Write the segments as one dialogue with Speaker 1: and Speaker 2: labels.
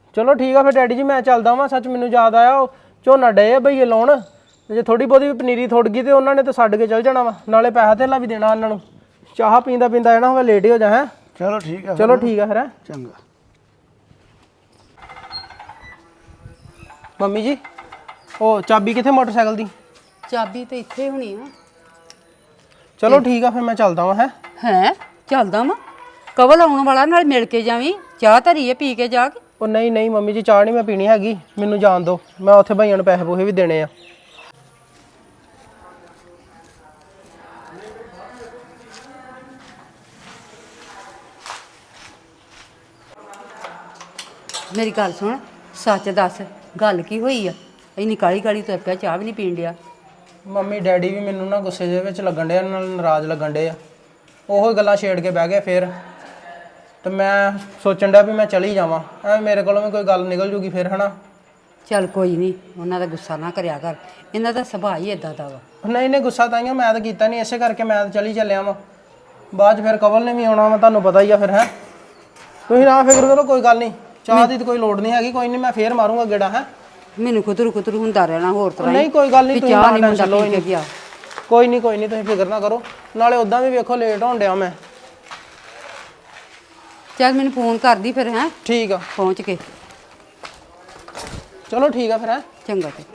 Speaker 1: ਚਲੋ ਠੀਕ ਆ ਫਿਰ ਡੈਡੀ ਜੀ ਮੈਂ ਚੱਲਦਾ ਵਾਂ। ਸੱਚ ਮੈਨੂੰ ਯਾਦ ਆਇਆ ਉਹ ਝੋਨਾ ਡੇ ਆ ਭਈਏ ਲਾਉਣ, ਜੇ ਥੋੜੀ ਬਹੁਤੀ ਵੀ ਪਨੀਰੀ ਥੁੜ ਗਈ ਤੇ ਉਹਨਾਂ ਨੇ ਤਾਂ ਛੱਡ ਕੇ ਚੱਲ ਜਾਣਾ ਵਾ, ਨਾਲੇ ਪੈਸਾ ਧੇਲਾ ਵੀ ਦੇਣਾ ਉਹਨਾਂ ਨੂੰ। ਚਾਹ ਪੀਂਦਾ ਪੀਂਦਾ ਹੈ ਨਾ ਹੋਵੇ ਲੇਟ ਹੀ ਹੋ ਜਾ। ਹੈ
Speaker 2: ਚਲੋ ਠੀਕ ਆ,
Speaker 1: ਚਲੋ ਠੀਕ ਆ ਫਿਰ।
Speaker 2: ਚੰਗਾ।
Speaker 1: ਮੰਮੀ ਜੀ ਉਹ ਚਾਬੀ ਕਿੱਥੇ ਮੋਟਰਸਾਈਕਲ ਦੀ?
Speaker 3: ਚਾਬੀ ਤੇ ਇੱਥੇ ਹੋਣੀ ਆ।
Speaker 1: ਚਲੋ ਠੀਕ ਆ ਫਿਰ ਮੈਂ ਚੱਲਦਾ ਵਾਂ।
Speaker 3: ਹੈ ਚੱਲਦਾ ਵਾ, ਕਵਲ ਆਉਣ ਵਾਲਾ, ਨਾਲ ਮਿਲ ਕੇ ਜਾਵੀਂ। ਚਾਹ ਧਰੀਏ ਪੀ ਕੇ ਜਾ ਕੇ।
Speaker 1: ਉਹ ਨਹੀਂ ਨਹੀਂ ਮੰਮੀ ਜੀ ਚਾਹ ਨਹੀਂ ਮੈਂ ਪੀਣੀ ਹੈਗੀ, ਮੈਨੂੰ ਜਾਣ ਦਿਓ। ਮੈਂ ਉੱਥੇ ਭਾਈਆਂ ਨੂੰ ਪੈਸੇ ਪੂਸੇ ਵੀ ਦੇਣੇ ਆ।
Speaker 3: ਮੇਰੀ ਗੱਲ ਸੁਣ, ਸੱਚ ਦੱਸ ਗੱਲ ਕੀ ਹੋਈ ਆ? ਇੰਨੀ ਕਾਲੀ ਕਾਲੀ ਤੁਰ ਪਿਆ, ਚਾਹ ਵੀ ਨਹੀਂ ਪੀਣ ਡਿਆ।
Speaker 1: ਮੰਮੀ ਡੈਡੀ ਵੀ ਮੈਨੂੰ ਨਾ ਗੁੱਸੇ ਦੇ ਵਿੱਚ ਲੱਗਣ ਡੇ, ਨਾਲ ਨਾਰਾਜ਼ ਲੱਗਣ ਡੇ ਆ। ਉਹੋ ਗੱਲਾਂ ਛੇੜ ਕੇ ਬਹਿ ਗਏ ਫਿਰ, ਤੇ ਮੈਂ ਸੋਚਣ ਡਿਆ ਵੀ ਮੈਂ ਚਲੀ ਜਾਵਾਂ। ਐਵੇਂ ਮੇਰੇ ਕੋਲੋਂ ਵੀ ਕੋਈ ਗੱਲ ਨਿਕਲ ਜੂਗੀ ਫਿਰ, ਹਨਾ।
Speaker 3: ਚੱਲ ਕੋਈ ਨਹੀਂ, ਉਹਨਾਂ ਦਾ ਗੁੱਸਾ ਨਾ ਕਰਿਆ ਕਰ, ਇਹਨਾਂ ਦਾ ਸੁਭਾਅ ਹੀ ਇਦਾਂ ਦਾ ਵਾ।
Speaker 1: ਨਹੀਂ ਨਹੀਂ ਗੁੱਸਾ ਤਾਂ ਮੈਂ ਤਾਂ ਕੀਤਾ ਨਹੀਂ, ਇਸੇ ਕਰਕੇ ਮੈਂ ਤਾਂ ਚਲੀ ਚੱਲਿਆ ਵਾਂ। ਬਾਅਦ 'ਚ ਫਿਰ ਕਵਲ ਨੇ ਵੀ ਆਉਣਾ ਵਾ, ਤੁਹਾਨੂੰ ਪਤਾ ਹੀ ਆ ਫਿਰ। ਹੈ ਤੁਸੀਂ ਨਾ ਫਿਕਰ ਕਰੋ, ਕੋਈ ਗੱਲ ਨਹੀਂ, ਚਾਹ ਦੀ ਤਾਂ ਕੋਈ ਲੋੜ ਨਹੀਂ ਹੈਗੀ। ਕੋਈ ਨਹੀਂ ਮੈਂ ਫੇਰ ਮਾਰੂੰਗਾ ਗੇੜਾ। ਹੈ
Speaker 3: ਮੈਨੂੰ ਕੁਤਰੂ ਕੁਤਰੂ ਹੁੰਦਾ ਰਹਿਣਾ ਹੋਰ ਤਰ੍ਹਾਂ।
Speaker 1: ਨਹੀਂ ਕੋਈ ਗੱਲ ਨਹੀਂ, ਤੁਸੀਂ
Speaker 3: ਚਾਹ ਨਹੀਂ
Speaker 1: ਟੈਨਸ਼ਨ ਲਓ।
Speaker 3: ਗਿਆ
Speaker 1: ਕੋਈ ਨਹੀਂ ਕੋਈ ਨਹੀਂ, ਤੁਸੀਂ ਫਿਕਰ ਨਾ ਕਰੋ। ਨਾਲੇ ਉਦਾਂ ਵੀ ਵੇਖੋ ਲੇਟ ਹੋਣ ਡਿਆ ਮੈਂ।
Speaker 3: ਚੱਲ ਮੈਨੂੰ ਫੋਨ ਕਰਦੀ ਫਿਰ। ਹੈ
Speaker 1: ਠੀਕ ਆ,
Speaker 3: ਪਹੁੰਚ ਕੇ।
Speaker 1: ਚਲੋ ਠੀਕ ਆ ਫਿਰ। ਹੈ
Speaker 3: ਚੰਗਾ ਤੇ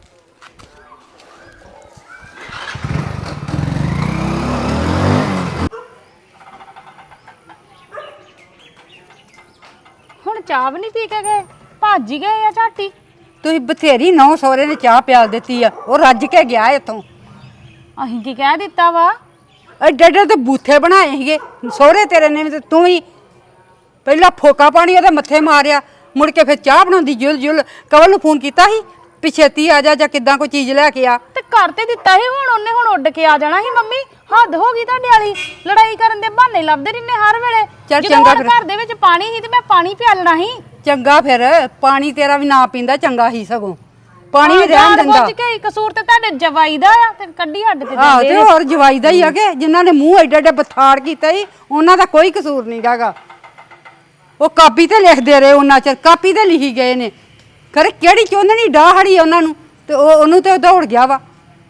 Speaker 4: ਹੁਣ ਚਾਹ ਵੀ ਨਹੀਂ ਪੀ ਕੇ ਗਏ, ਭੱਜ ਹੀ ਗਏ ਆ ਝਾਟੀ।
Speaker 3: ਤੁਸੀਂ ਬਥੇਰੀ ਨੌ ਸਹੁਰੇ ਨੇ ਚਾਹ ਪਿਆਲ ਦਿੱਤੀ ਆ, ਉਹ ਰੱਜ ਕੇ ਗਿਆ ਇੱਥੋਂ।
Speaker 4: ਅਸੀਂ ਕੀ ਕਹਿ ਦਿੱਤਾ ਵਾ?
Speaker 3: ਐਡੇ ਐਡੇ ਤੇ ਬੂਥੇ ਬਣਾਏ ਸੀਗੇ ਸਹੁਰੇ ਤੇਰੇ ਨੇ ਵੀ, ਤੇ ਤੂੰ ਹੀ ਪਹਿਲਾਂ ਫੋਕਾ ਪਾਣੀ ਉਹਦੇ ਮੱਥੇ ਮਾਰਿਆ, ਮੁੜ ਕੇ ਫਿਰ ਚਾਹ ਬਣਾਉਂਦੀ ਜੁਲ ਜੁਲ। ਕਵਲ ਨੂੰ ਫੋਨ ਕੀਤਾ ਸੀ ਵੀ ਛੇਤੀ ਆ ਜਾ, ਜਾਂ ਕਿੱਦਾਂ ਕੋਈ ਚੀਜ਼ ਲੈ ਕੇ ਆ।
Speaker 4: ਤੇ ਕਰ ਤੇ ਦਿੱਤਾ ਸੀ, ਹੁਣ ਉਹਨੇ ਹੁਣ ਉੱਡ ਕੇ ਆ ਜਾਣਾ ਸੀ। ਮੰਮੀ ਹੱਦ ਹੋ ਗਈ ਤੁਹਾਡੇ ਵਾਲੀ, ਲੜਾਈ ਕਰਨ ਦੇ ਬਹਾਨੇ ਲੱਭਦੇ ਰਹਿੰਦੇ ਹਰ ਵੇਲੇ।
Speaker 3: ਚੱਲ
Speaker 4: ਜਦੋਂ
Speaker 3: ਚੰਗਾ
Speaker 4: ਹੁਣ
Speaker 3: ਫਿਰ।
Speaker 4: ਘਰ ਦੇ ਵਿੱਚ ਪਾਣੀ ਸੀ ਤੇ ਮੈਂ ਪਾਣੀ ਪਿਆਲਣਾ ਸੀ।
Speaker 3: ਚੰਗਾ ਫਿਰ, ਪਾਣੀ ਤੇਰਾ ਵੀ ਨਾ ਪੀਂਦਾ ਚੰਗਾ ਹੀ, ਸਗੋਂ ਪਾਣੀ ਵੀ ਰਹਿਣ
Speaker 4: ਜਾਣ
Speaker 3: ਦਿੰਦਾ।
Speaker 4: ਬੁੱਝ ਕੇ ਕਸੂਰ ਤੇ ਤੁਹਾਡੇ ਜਵਾਈ ਦਾ ਆ, ਤੇ ਕੱਢੀ ਹੱਡ ਤੇ
Speaker 3: ਆਹ
Speaker 4: ਦਿੰਦੇ
Speaker 3: ਤੇ ਹੋਰ ਜਵਾਈ ਦਾ ਹੀ ਆ ਕਿ ਜਿਨ੍ਹਾਂ ਨੇ ਮੂੰਹ ਐਡੇ ਐਡੇ ਬਥਾੜ ਕੀਤਾ ਸੀ, ਉਹਨਾਂ ਦਾ ਕੋਈ ਕਸੂਰ ਨਹੀਂ ਹੈਗਾ। ਉਹ ਕਾਪੀ ਤੇ ਲਿਖਦੇ ਰਹੇ ਉਹਨਾਂ ਚਿਰ, ਕਾਪੀ ਤੇ ਲਿਖੀ ਗਏ ਨੇ। ਖਰੇ ਕਿਹੜੀ ਚੋਂਦਣੀ ਡਾਹੜੀ ਉਹਨਾਂ ਨੂੰ, ਤੇ ਉਹਨੂੰ ਤੇ ਦੌੜ ਗਿਆ ਵਾ।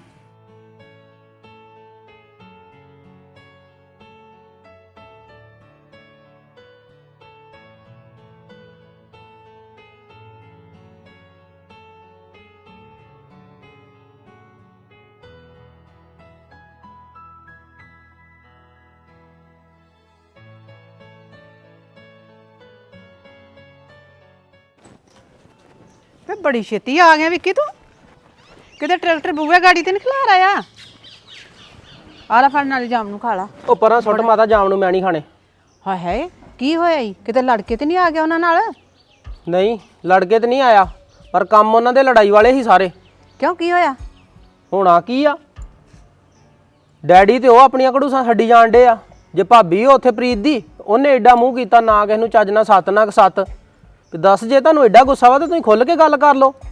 Speaker 5: ਵੇ ਬੜੀ ਛੇਤੀ ਆ ਗਿਆ ਵਿੱਕੀ ਤੂੰ, ਕਿਤੇ ਟਰੈਕਟਰ ਬੂਹੇ ਗਾੜੀ ਤੇ ਨਹੀਂ ਖਲਾਰ ਆਇਆ? ਆ ਲੈ ਫੜ ਨਾਲੇ ਜਾਮ ਨੂੰ ਖਾ ਲਾ।
Speaker 1: ਉਹ ਪਰਾਂ ਸੁੱਟ ਮਾਤਾ, ਜਾਮ ਨੂੰ ਮੈਂ ਨਹੀਂ ਖਾਣੇ।
Speaker 5: ਹਾਏ ਹਾਏ ਕੀ ਹੋਇਆ ਈ? ਕਿਤੇ ਲੜ ਕੇ ਤੇ ਨਹੀਂ ਆ ਗਿਆ ਉਹਨਾਂ ਨਾਲ?
Speaker 1: ਨਹੀਂ ਲੜ ਕੇ ਤੇ ਨਹੀਂ ਆਇਆ, ਪਰ ਕੰਮ ਉਹਨਾਂ ਦੇ ਲੜਾਈ ਵਾਲੇ ਹੀ ਸਾਰੇ।
Speaker 5: ਕਿਉਂ ਕੀ ਹੋਇਆ?
Speaker 1: ਹੋਣਾ ਕੀ ਆ, ਡੈਡੀ ਤੇ ਉਹ ਆਪਣੀਆਂ ਘੜੂਸਾਂ ਛੱਡੀ ਜਾਣ ਡੇ ਆ। ਜੇ ਭਾਬੀ ਉੱਥੇ ਪ੍ਰੀਤ ਦੀ, ਉਹਨੇ ਐਡਾ ਮੂੰਹ ਕੀਤਾ, ਨਾ ਕਿਸੇ ਨੂੰ ਚੱਜ ਨਾ ਸੱਤ ਨਾ ਸੱਤ। ਤੇ ਦੱਸ, ਜੇ ਤੁਹਾਨੂੰ ਐਡਾ ਗੁੱਸਾ ਵਾ ਤਾਂ ਤੁਸੀਂ ਖੁੱਲ ਕੇ ਗੱਲ ਕਰ ਲਓ।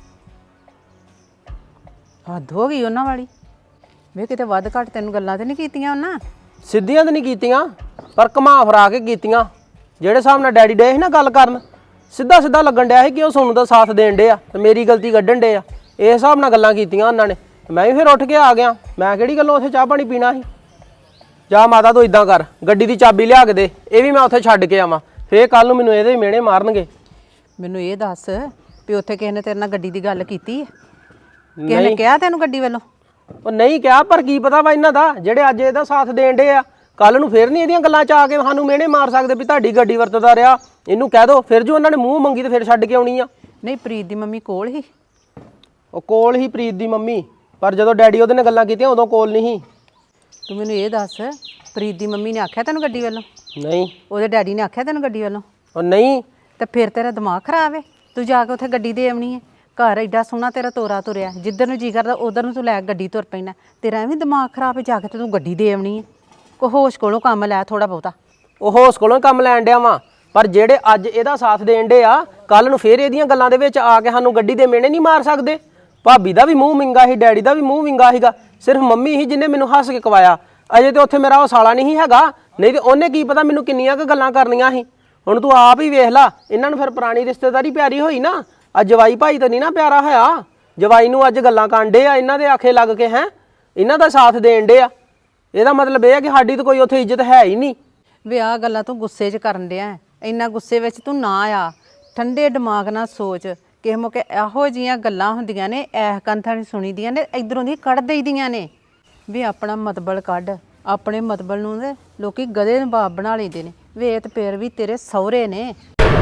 Speaker 5: ਹੱਦ ਹੋ ਗਈ ਉਹਨਾਂ ਵਾਲੀ। ਵੇ ਕਿਤੇ ਵੱਧ ਘੱਟ ਤੈਨੂੰ ਗੱਲਾਂ ਤੇ ਨਹੀਂ ਕੀਤੀਆਂ ਉਹਨਾਂ?
Speaker 1: ਸਿੱਧੀਆਂ ਤਾਂ ਨਹੀਂ ਕੀਤੀਆਂ, ਪਰ ਘੁਮਾ ਫਰਾ ਕੇ ਕੀਤੀਆਂ। ਜਿਹੜੇ ਹਿਸਾਬ ਨਾਲ ਡੈਡੀ ਡੇ ਸੀ ਨਾ ਗੱਲ ਕਰਨ, ਸਿੱਧਾ ਸਿੱਧਾ ਲੱਗਣ ਡਿਆ ਸੀ ਕਿ ਉਹ ਸੋਨੂੰ ਦਾ ਸਾਥ ਦੇਣ ਡੇ ਆ ਤੇ ਮੇਰੀ ਗਲਤੀ ਕੱਢਣ ਡੇ ਆ। ਇਸ ਹਿਸਾਬ ਨਾਲ ਗੱਲਾਂ ਕੀਤੀਆਂ ਉਹਨਾਂ ਨੇ। ਮੈਂ ਵੀ ਫਿਰ ਉੱਠ ਕੇ ਆ ਗਿਆ। ਮੈਂ ਕਿਹੜੀ ਗੱਲੋਂ ਉੱਥੇ ਚਾਹ ਪਾਣੀ ਪੀਣਾ ਸੀ। ਜਾ ਮਾਤਾ ਤੂੰ ਇਦਾਂ ਕਰ, ਗੱਡੀ ਦੀ ਚਾਬੀ ਲਿਆ ਕੇ ਦੇ, ਇਹ ਵੀ ਮੈਂ ਉੱਥੇ ਛੱਡ ਕੇ ਆਵਾਂ। ਫੇਰ ਕੱਲ ਨੂੰ ਮੈਨੂੰ ਇਹਦੇ ਮਿਹਣੇ ਮਾਰਨਗੇ।
Speaker 5: ਮੈਨੂੰ ਇਹ ਦੱਸ ਵੀ ਉੱਥੇ ਕਿਸੇ ਨੇ ਤੇਰੇ ਨਾਲ ਗੱਡੀ ਦੀ ਗੱਲ ਕੀਤੀ ਹੈ? ਕਿਸੇ ਨੇ ਕਿਹਾ ਤੈਨੂੰ ਗੱਡੀ ਵੱਲੋਂ?
Speaker 1: ਉਹ ਨਹੀਂ ਕਿਹਾ, ਪਰ ਕੀ ਪਤਾ ਵਾ ਇਹਨਾਂ ਦਾ, ਜਿਹੜੇ ਅੱਜ ਇਹਦਾ ਸਾਥ ਦੇਣ ਡੇ ਆ, ਕੱਲ ਨੂੰ ਫੇਰ ਨਹੀਂ ਇਹਦੀਆਂ ਗੱਲਾਂ ਚ ਆ ਕੇ ਸਾਨੂੰ ਮਿਹਣੇ ਮਾਰ ਸਕਦੇ ਵੀ ਤੁਹਾਡੀ ਗੱਡੀ ਵਰਤਦਾ ਰਿਹਾ। ਇਹਨੂੰ ਕਹਿ ਦੋ, ਫਿਰ ਜੋ ਉਹਨਾਂ ਨੇ ਮੂੰਹ ਮੰਗੀ ਤੇ ਫਿਰ ਛੱਡ ਕੇ ਆਉਣੀ ਆ।
Speaker 5: ਨਹੀਂ ਪ੍ਰੀਤ ਦੀ ਮੰਮੀ ਕੋਲ ਹੀ?
Speaker 1: ਉਹ ਕੋਲ ਹੀ ਪ੍ਰੀਤ ਦੀ ਮੰਮੀ, ਪਰ ਜਦੋਂ ਡੈਡੀ ਉਹਦੇ ਨਾਲ ਗੱਲਾਂ ਕੀਤੀਆਂ ਉਦੋਂ ਕੋਲ ਨਹੀਂ ਸੀ।
Speaker 5: ਤੂੰ ਮੈਨੂੰ ਇਹ ਦੱਸ, ਪ੍ਰੀਤ ਦੀ ਮੰਮੀ ਨੇ ਆਖਿਆ ਤੈਨੂੰ ਗੱਡੀ ਵੱਲੋਂ?
Speaker 1: ਨਹੀਂ।
Speaker 5: ਉਹਦੇ ਡੈਡੀ ਨੇ ਆਖਿਆ ਤੈਨੂੰ ਗੱਡੀ ਵੱਲੋਂ?
Speaker 1: ਉਹ ਨਹੀਂ।
Speaker 5: ਤੇ ਫਿਰ ਤੇਰਾ ਦਿਮਾਗ ਖਰਾਬ ਹੈ, ਤੂੰ ਜਾ ਕੇ ਉੱਥੇ ਗੱਡੀ ਦੇ ਆਉਣੀ ਹੈ। ਘਰ ਐਡਾ ਸੋਹਣਾ ਤੇਰਾ ਤੋਰਾ ਤੁਰਿਆ, ਜਿੱਧਰ ਨੂੰ ਜੀ ਕਰਦਾ ਉਧਰ ਨੂੰ ਤੂੰ ਲੈ ਗੱਡੀ ਤੁਰ ਪੈਣਾ। ਤੇਰਾ ਐਵੇਂ ਦਿਮਾਗ ਖਰਾਬ ਹੈ, ਜਾ ਕੇ ਤੇ ਤੂੰ ਗੱਡੀ ਦੇ ਆਉਣੀ ਹੈ। ਕੋ ਹੋਸ਼ ਕੋਲੋਂ ਕੰਮ ਲੈ ਥੋੜਾ ਬਹੁਤਾ।
Speaker 1: ਉਹ ਹੋਸ ਕੋਲੋਂ ਕੰਮ ਲੈਣ ਡਿਆ ਵਾਂ, ਪਰ ਜਿਹੜੇ ਅੱਜ ਇਹਦਾ ਸਾਥ ਦੇਣ ਡੇ ਆ, ਕੱਲ ਨੂੰ ਫੇਰ ਇਹਦੀਆਂ ਗੱਲਾਂ ਦੇ ਵਿੱਚ ਆ ਕੇ ਸਾਨੂੰ ਗੱਡੀ ਦੇ ਮਿਹਣੇ ਨਹੀਂ ਮਾਰ ਸਕਦੇ। ਭਾਬੀ ਦਾ ਵੀ ਮੂੰਹ ਵਿੰਗਾ ਸੀ, ਡੈਡੀ ਦਾ ਵੀ ਮੂੰਹ ਵਿੰਗਾ ਸੀਗਾ, ਸਿਰਫ ਮੰਮੀ ਹੀ ਜਿਹਨੇ ਮੈਨੂੰ ਹੱਸ ਕੇ ਕਵਾਇਆ। ਅਜੇ ਤੇ ਉੱਥੇ ਮੇਰਾ ਉਹ ਸਾਲਾ ਨਹੀਂ ਹੈਗਾ, ਨਹੀਂ ਤੇ ਉਹਨੇ ਕੀ ਪਤਾ ਮੈਨੂੰ ਕਿੰਨੀਆਂ ਕੁ ਗੱਲਾਂ ਕਰਨੀਆਂ ਸੀ। ਹੁਣ ਤੂੰ ਆਪ ਹੀ ਵੇਖ ਲਾ, ਇਹਨਾਂ ਨੂੰ ਫਿਰ ਪੁਰਾਣੀ ਰਿਸ਼ਤੇਦਾਰੀ ਪਿਆਰੀ ਹੋਈ ਨਾ। ਅੱਜ ਜਵਾਈ ਭਾਈ ਤਾਂ ਨਹੀਂ ਨਾ ਪਿਆਰਾ ਹੋਇਆ। ਜਵਾਈ ਨੂੰ ਅੱਜ ਗੱਲਾਂ ਕਾਂਡੇ ਆ, ਇਹਨਾਂ ਦੇ ਆਖੇ ਲੱਗ ਕੇ ਹੈ ਇਹਨਾਂ ਦਾ ਸਾਥ ਦੇਣ ਡੇ ਆ। ਇਹਦਾ ਮਤਲਬ ਇਹ ਆ ਕਿ ਸਾਡੀ ਤਾਂ ਕੋਈ ਉੱਥੇ ਇੱਜ਼ਤ ਹੈ ਹੀ ਨਹੀਂ।
Speaker 5: ਵੇ ਆਹ ਗੱਲਾਂ ਤੂੰ ਗੁੱਸੇ 'ਚ ਕਰਨ ਡਿਆ। ਇੰਨਾ ਗੁੱਸੇ ਵਿੱਚ ਤੂੰ ਨਾ ਆ, ਠੰਡੇ ਦਿਮਾਗ ਨਾਲ ਸੋਚ। ਕਿਸੇ ਮੌਕੇ ਇਹੋ ਜਿਹੀਆਂ ਗੱਲਾਂ ਹੁੰਦੀਆਂ ਨੇ, ਐਸ ਕੰਥਾਂ ਨਹੀਂ ਸੁਣੀ ਦੀਆਂ ਨੇ, ਇਧਰੋਂ ਦੀ ਕੱਢ ਦੇਈਦੀਆਂ ਨੇ। ਵੀ ਆਪਣਾ ਮਤਬਲ ਕੱਢ, ਆਪਣੇ ਮਤਬਲ ਨੂੰ ਤੇ ਲੋਕੀ ਗਧੇ ਨੂੰ ਬਾਪ ਬਣਾ ਲੈਂਦੇ ਨੇ। ਵੇ ਇਹ ਤੇ ਫਿਰ ਵੀ ਤੇਰੇ ਸਹੁਰੇ ਨੇ।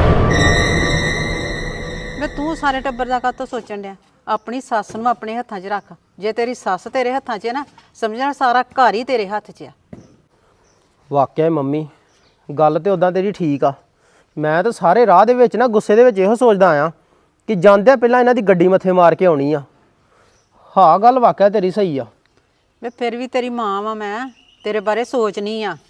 Speaker 5: ਵੇ ਤੂੰ ਸਾਰੇ ਟੱਬਰ ਦਾ ਕਾਹਤੋਂ ਸੋਚਣ ਡਿਆ? ਆਪਣੀ ਸੱਸ ਨੂੰ ਆਪਣੇ ਹੱਥਾਂ 'ਚ ਰੱਖ। ਜੇ ਤੇਰੀ ਸੱਸ ਤੇਰੇ ਹੱਥਾਂ 'ਚ ਹੈ ਨਾ, ਸਮਝਣਾ ਸਾਰਾ ਘਰ ਹੀ ਤੇਰੇ ਹੱਥ 'ਚ ਆ।
Speaker 1: ਵਾਕਿਆ ਮੰਮੀ ਗੱਲ ਤੇ ਉਦਾਂ ਤੇਰੀ ਠੀਕ ਆ। ਮੈਂ ਤਾਂ ਸਾਰੇ ਰਾਹ ਦੇ ਵਿੱਚ ਨਾ ਗੁੱਸੇ ਦੇ ਵਿੱਚ ਇਹੋ ਸੋਚਦਾ ਆ ਕਿ ਜਾਂਦਿਆਂ ਪਹਿਲਾਂ ਇਹਨਾਂ ਦੀ ਗੱਡੀ ਮੱਥੇ ਮਾਰ ਕੇ ਆਉਣੀ ਆ। ਹਾਂ ਗੱਲ ਵਾਕਿਆ ਤੇਰੀ ਸਹੀ ਆ।
Speaker 5: ਵੇ ਫਿਰ ਵੀ ਤੇਰੀ ਮਾਂ ਵਾਂ, ਮੈਂ ਤੇਰੇ ਬਾਰੇ ਸੋਚਣੀ ਆ।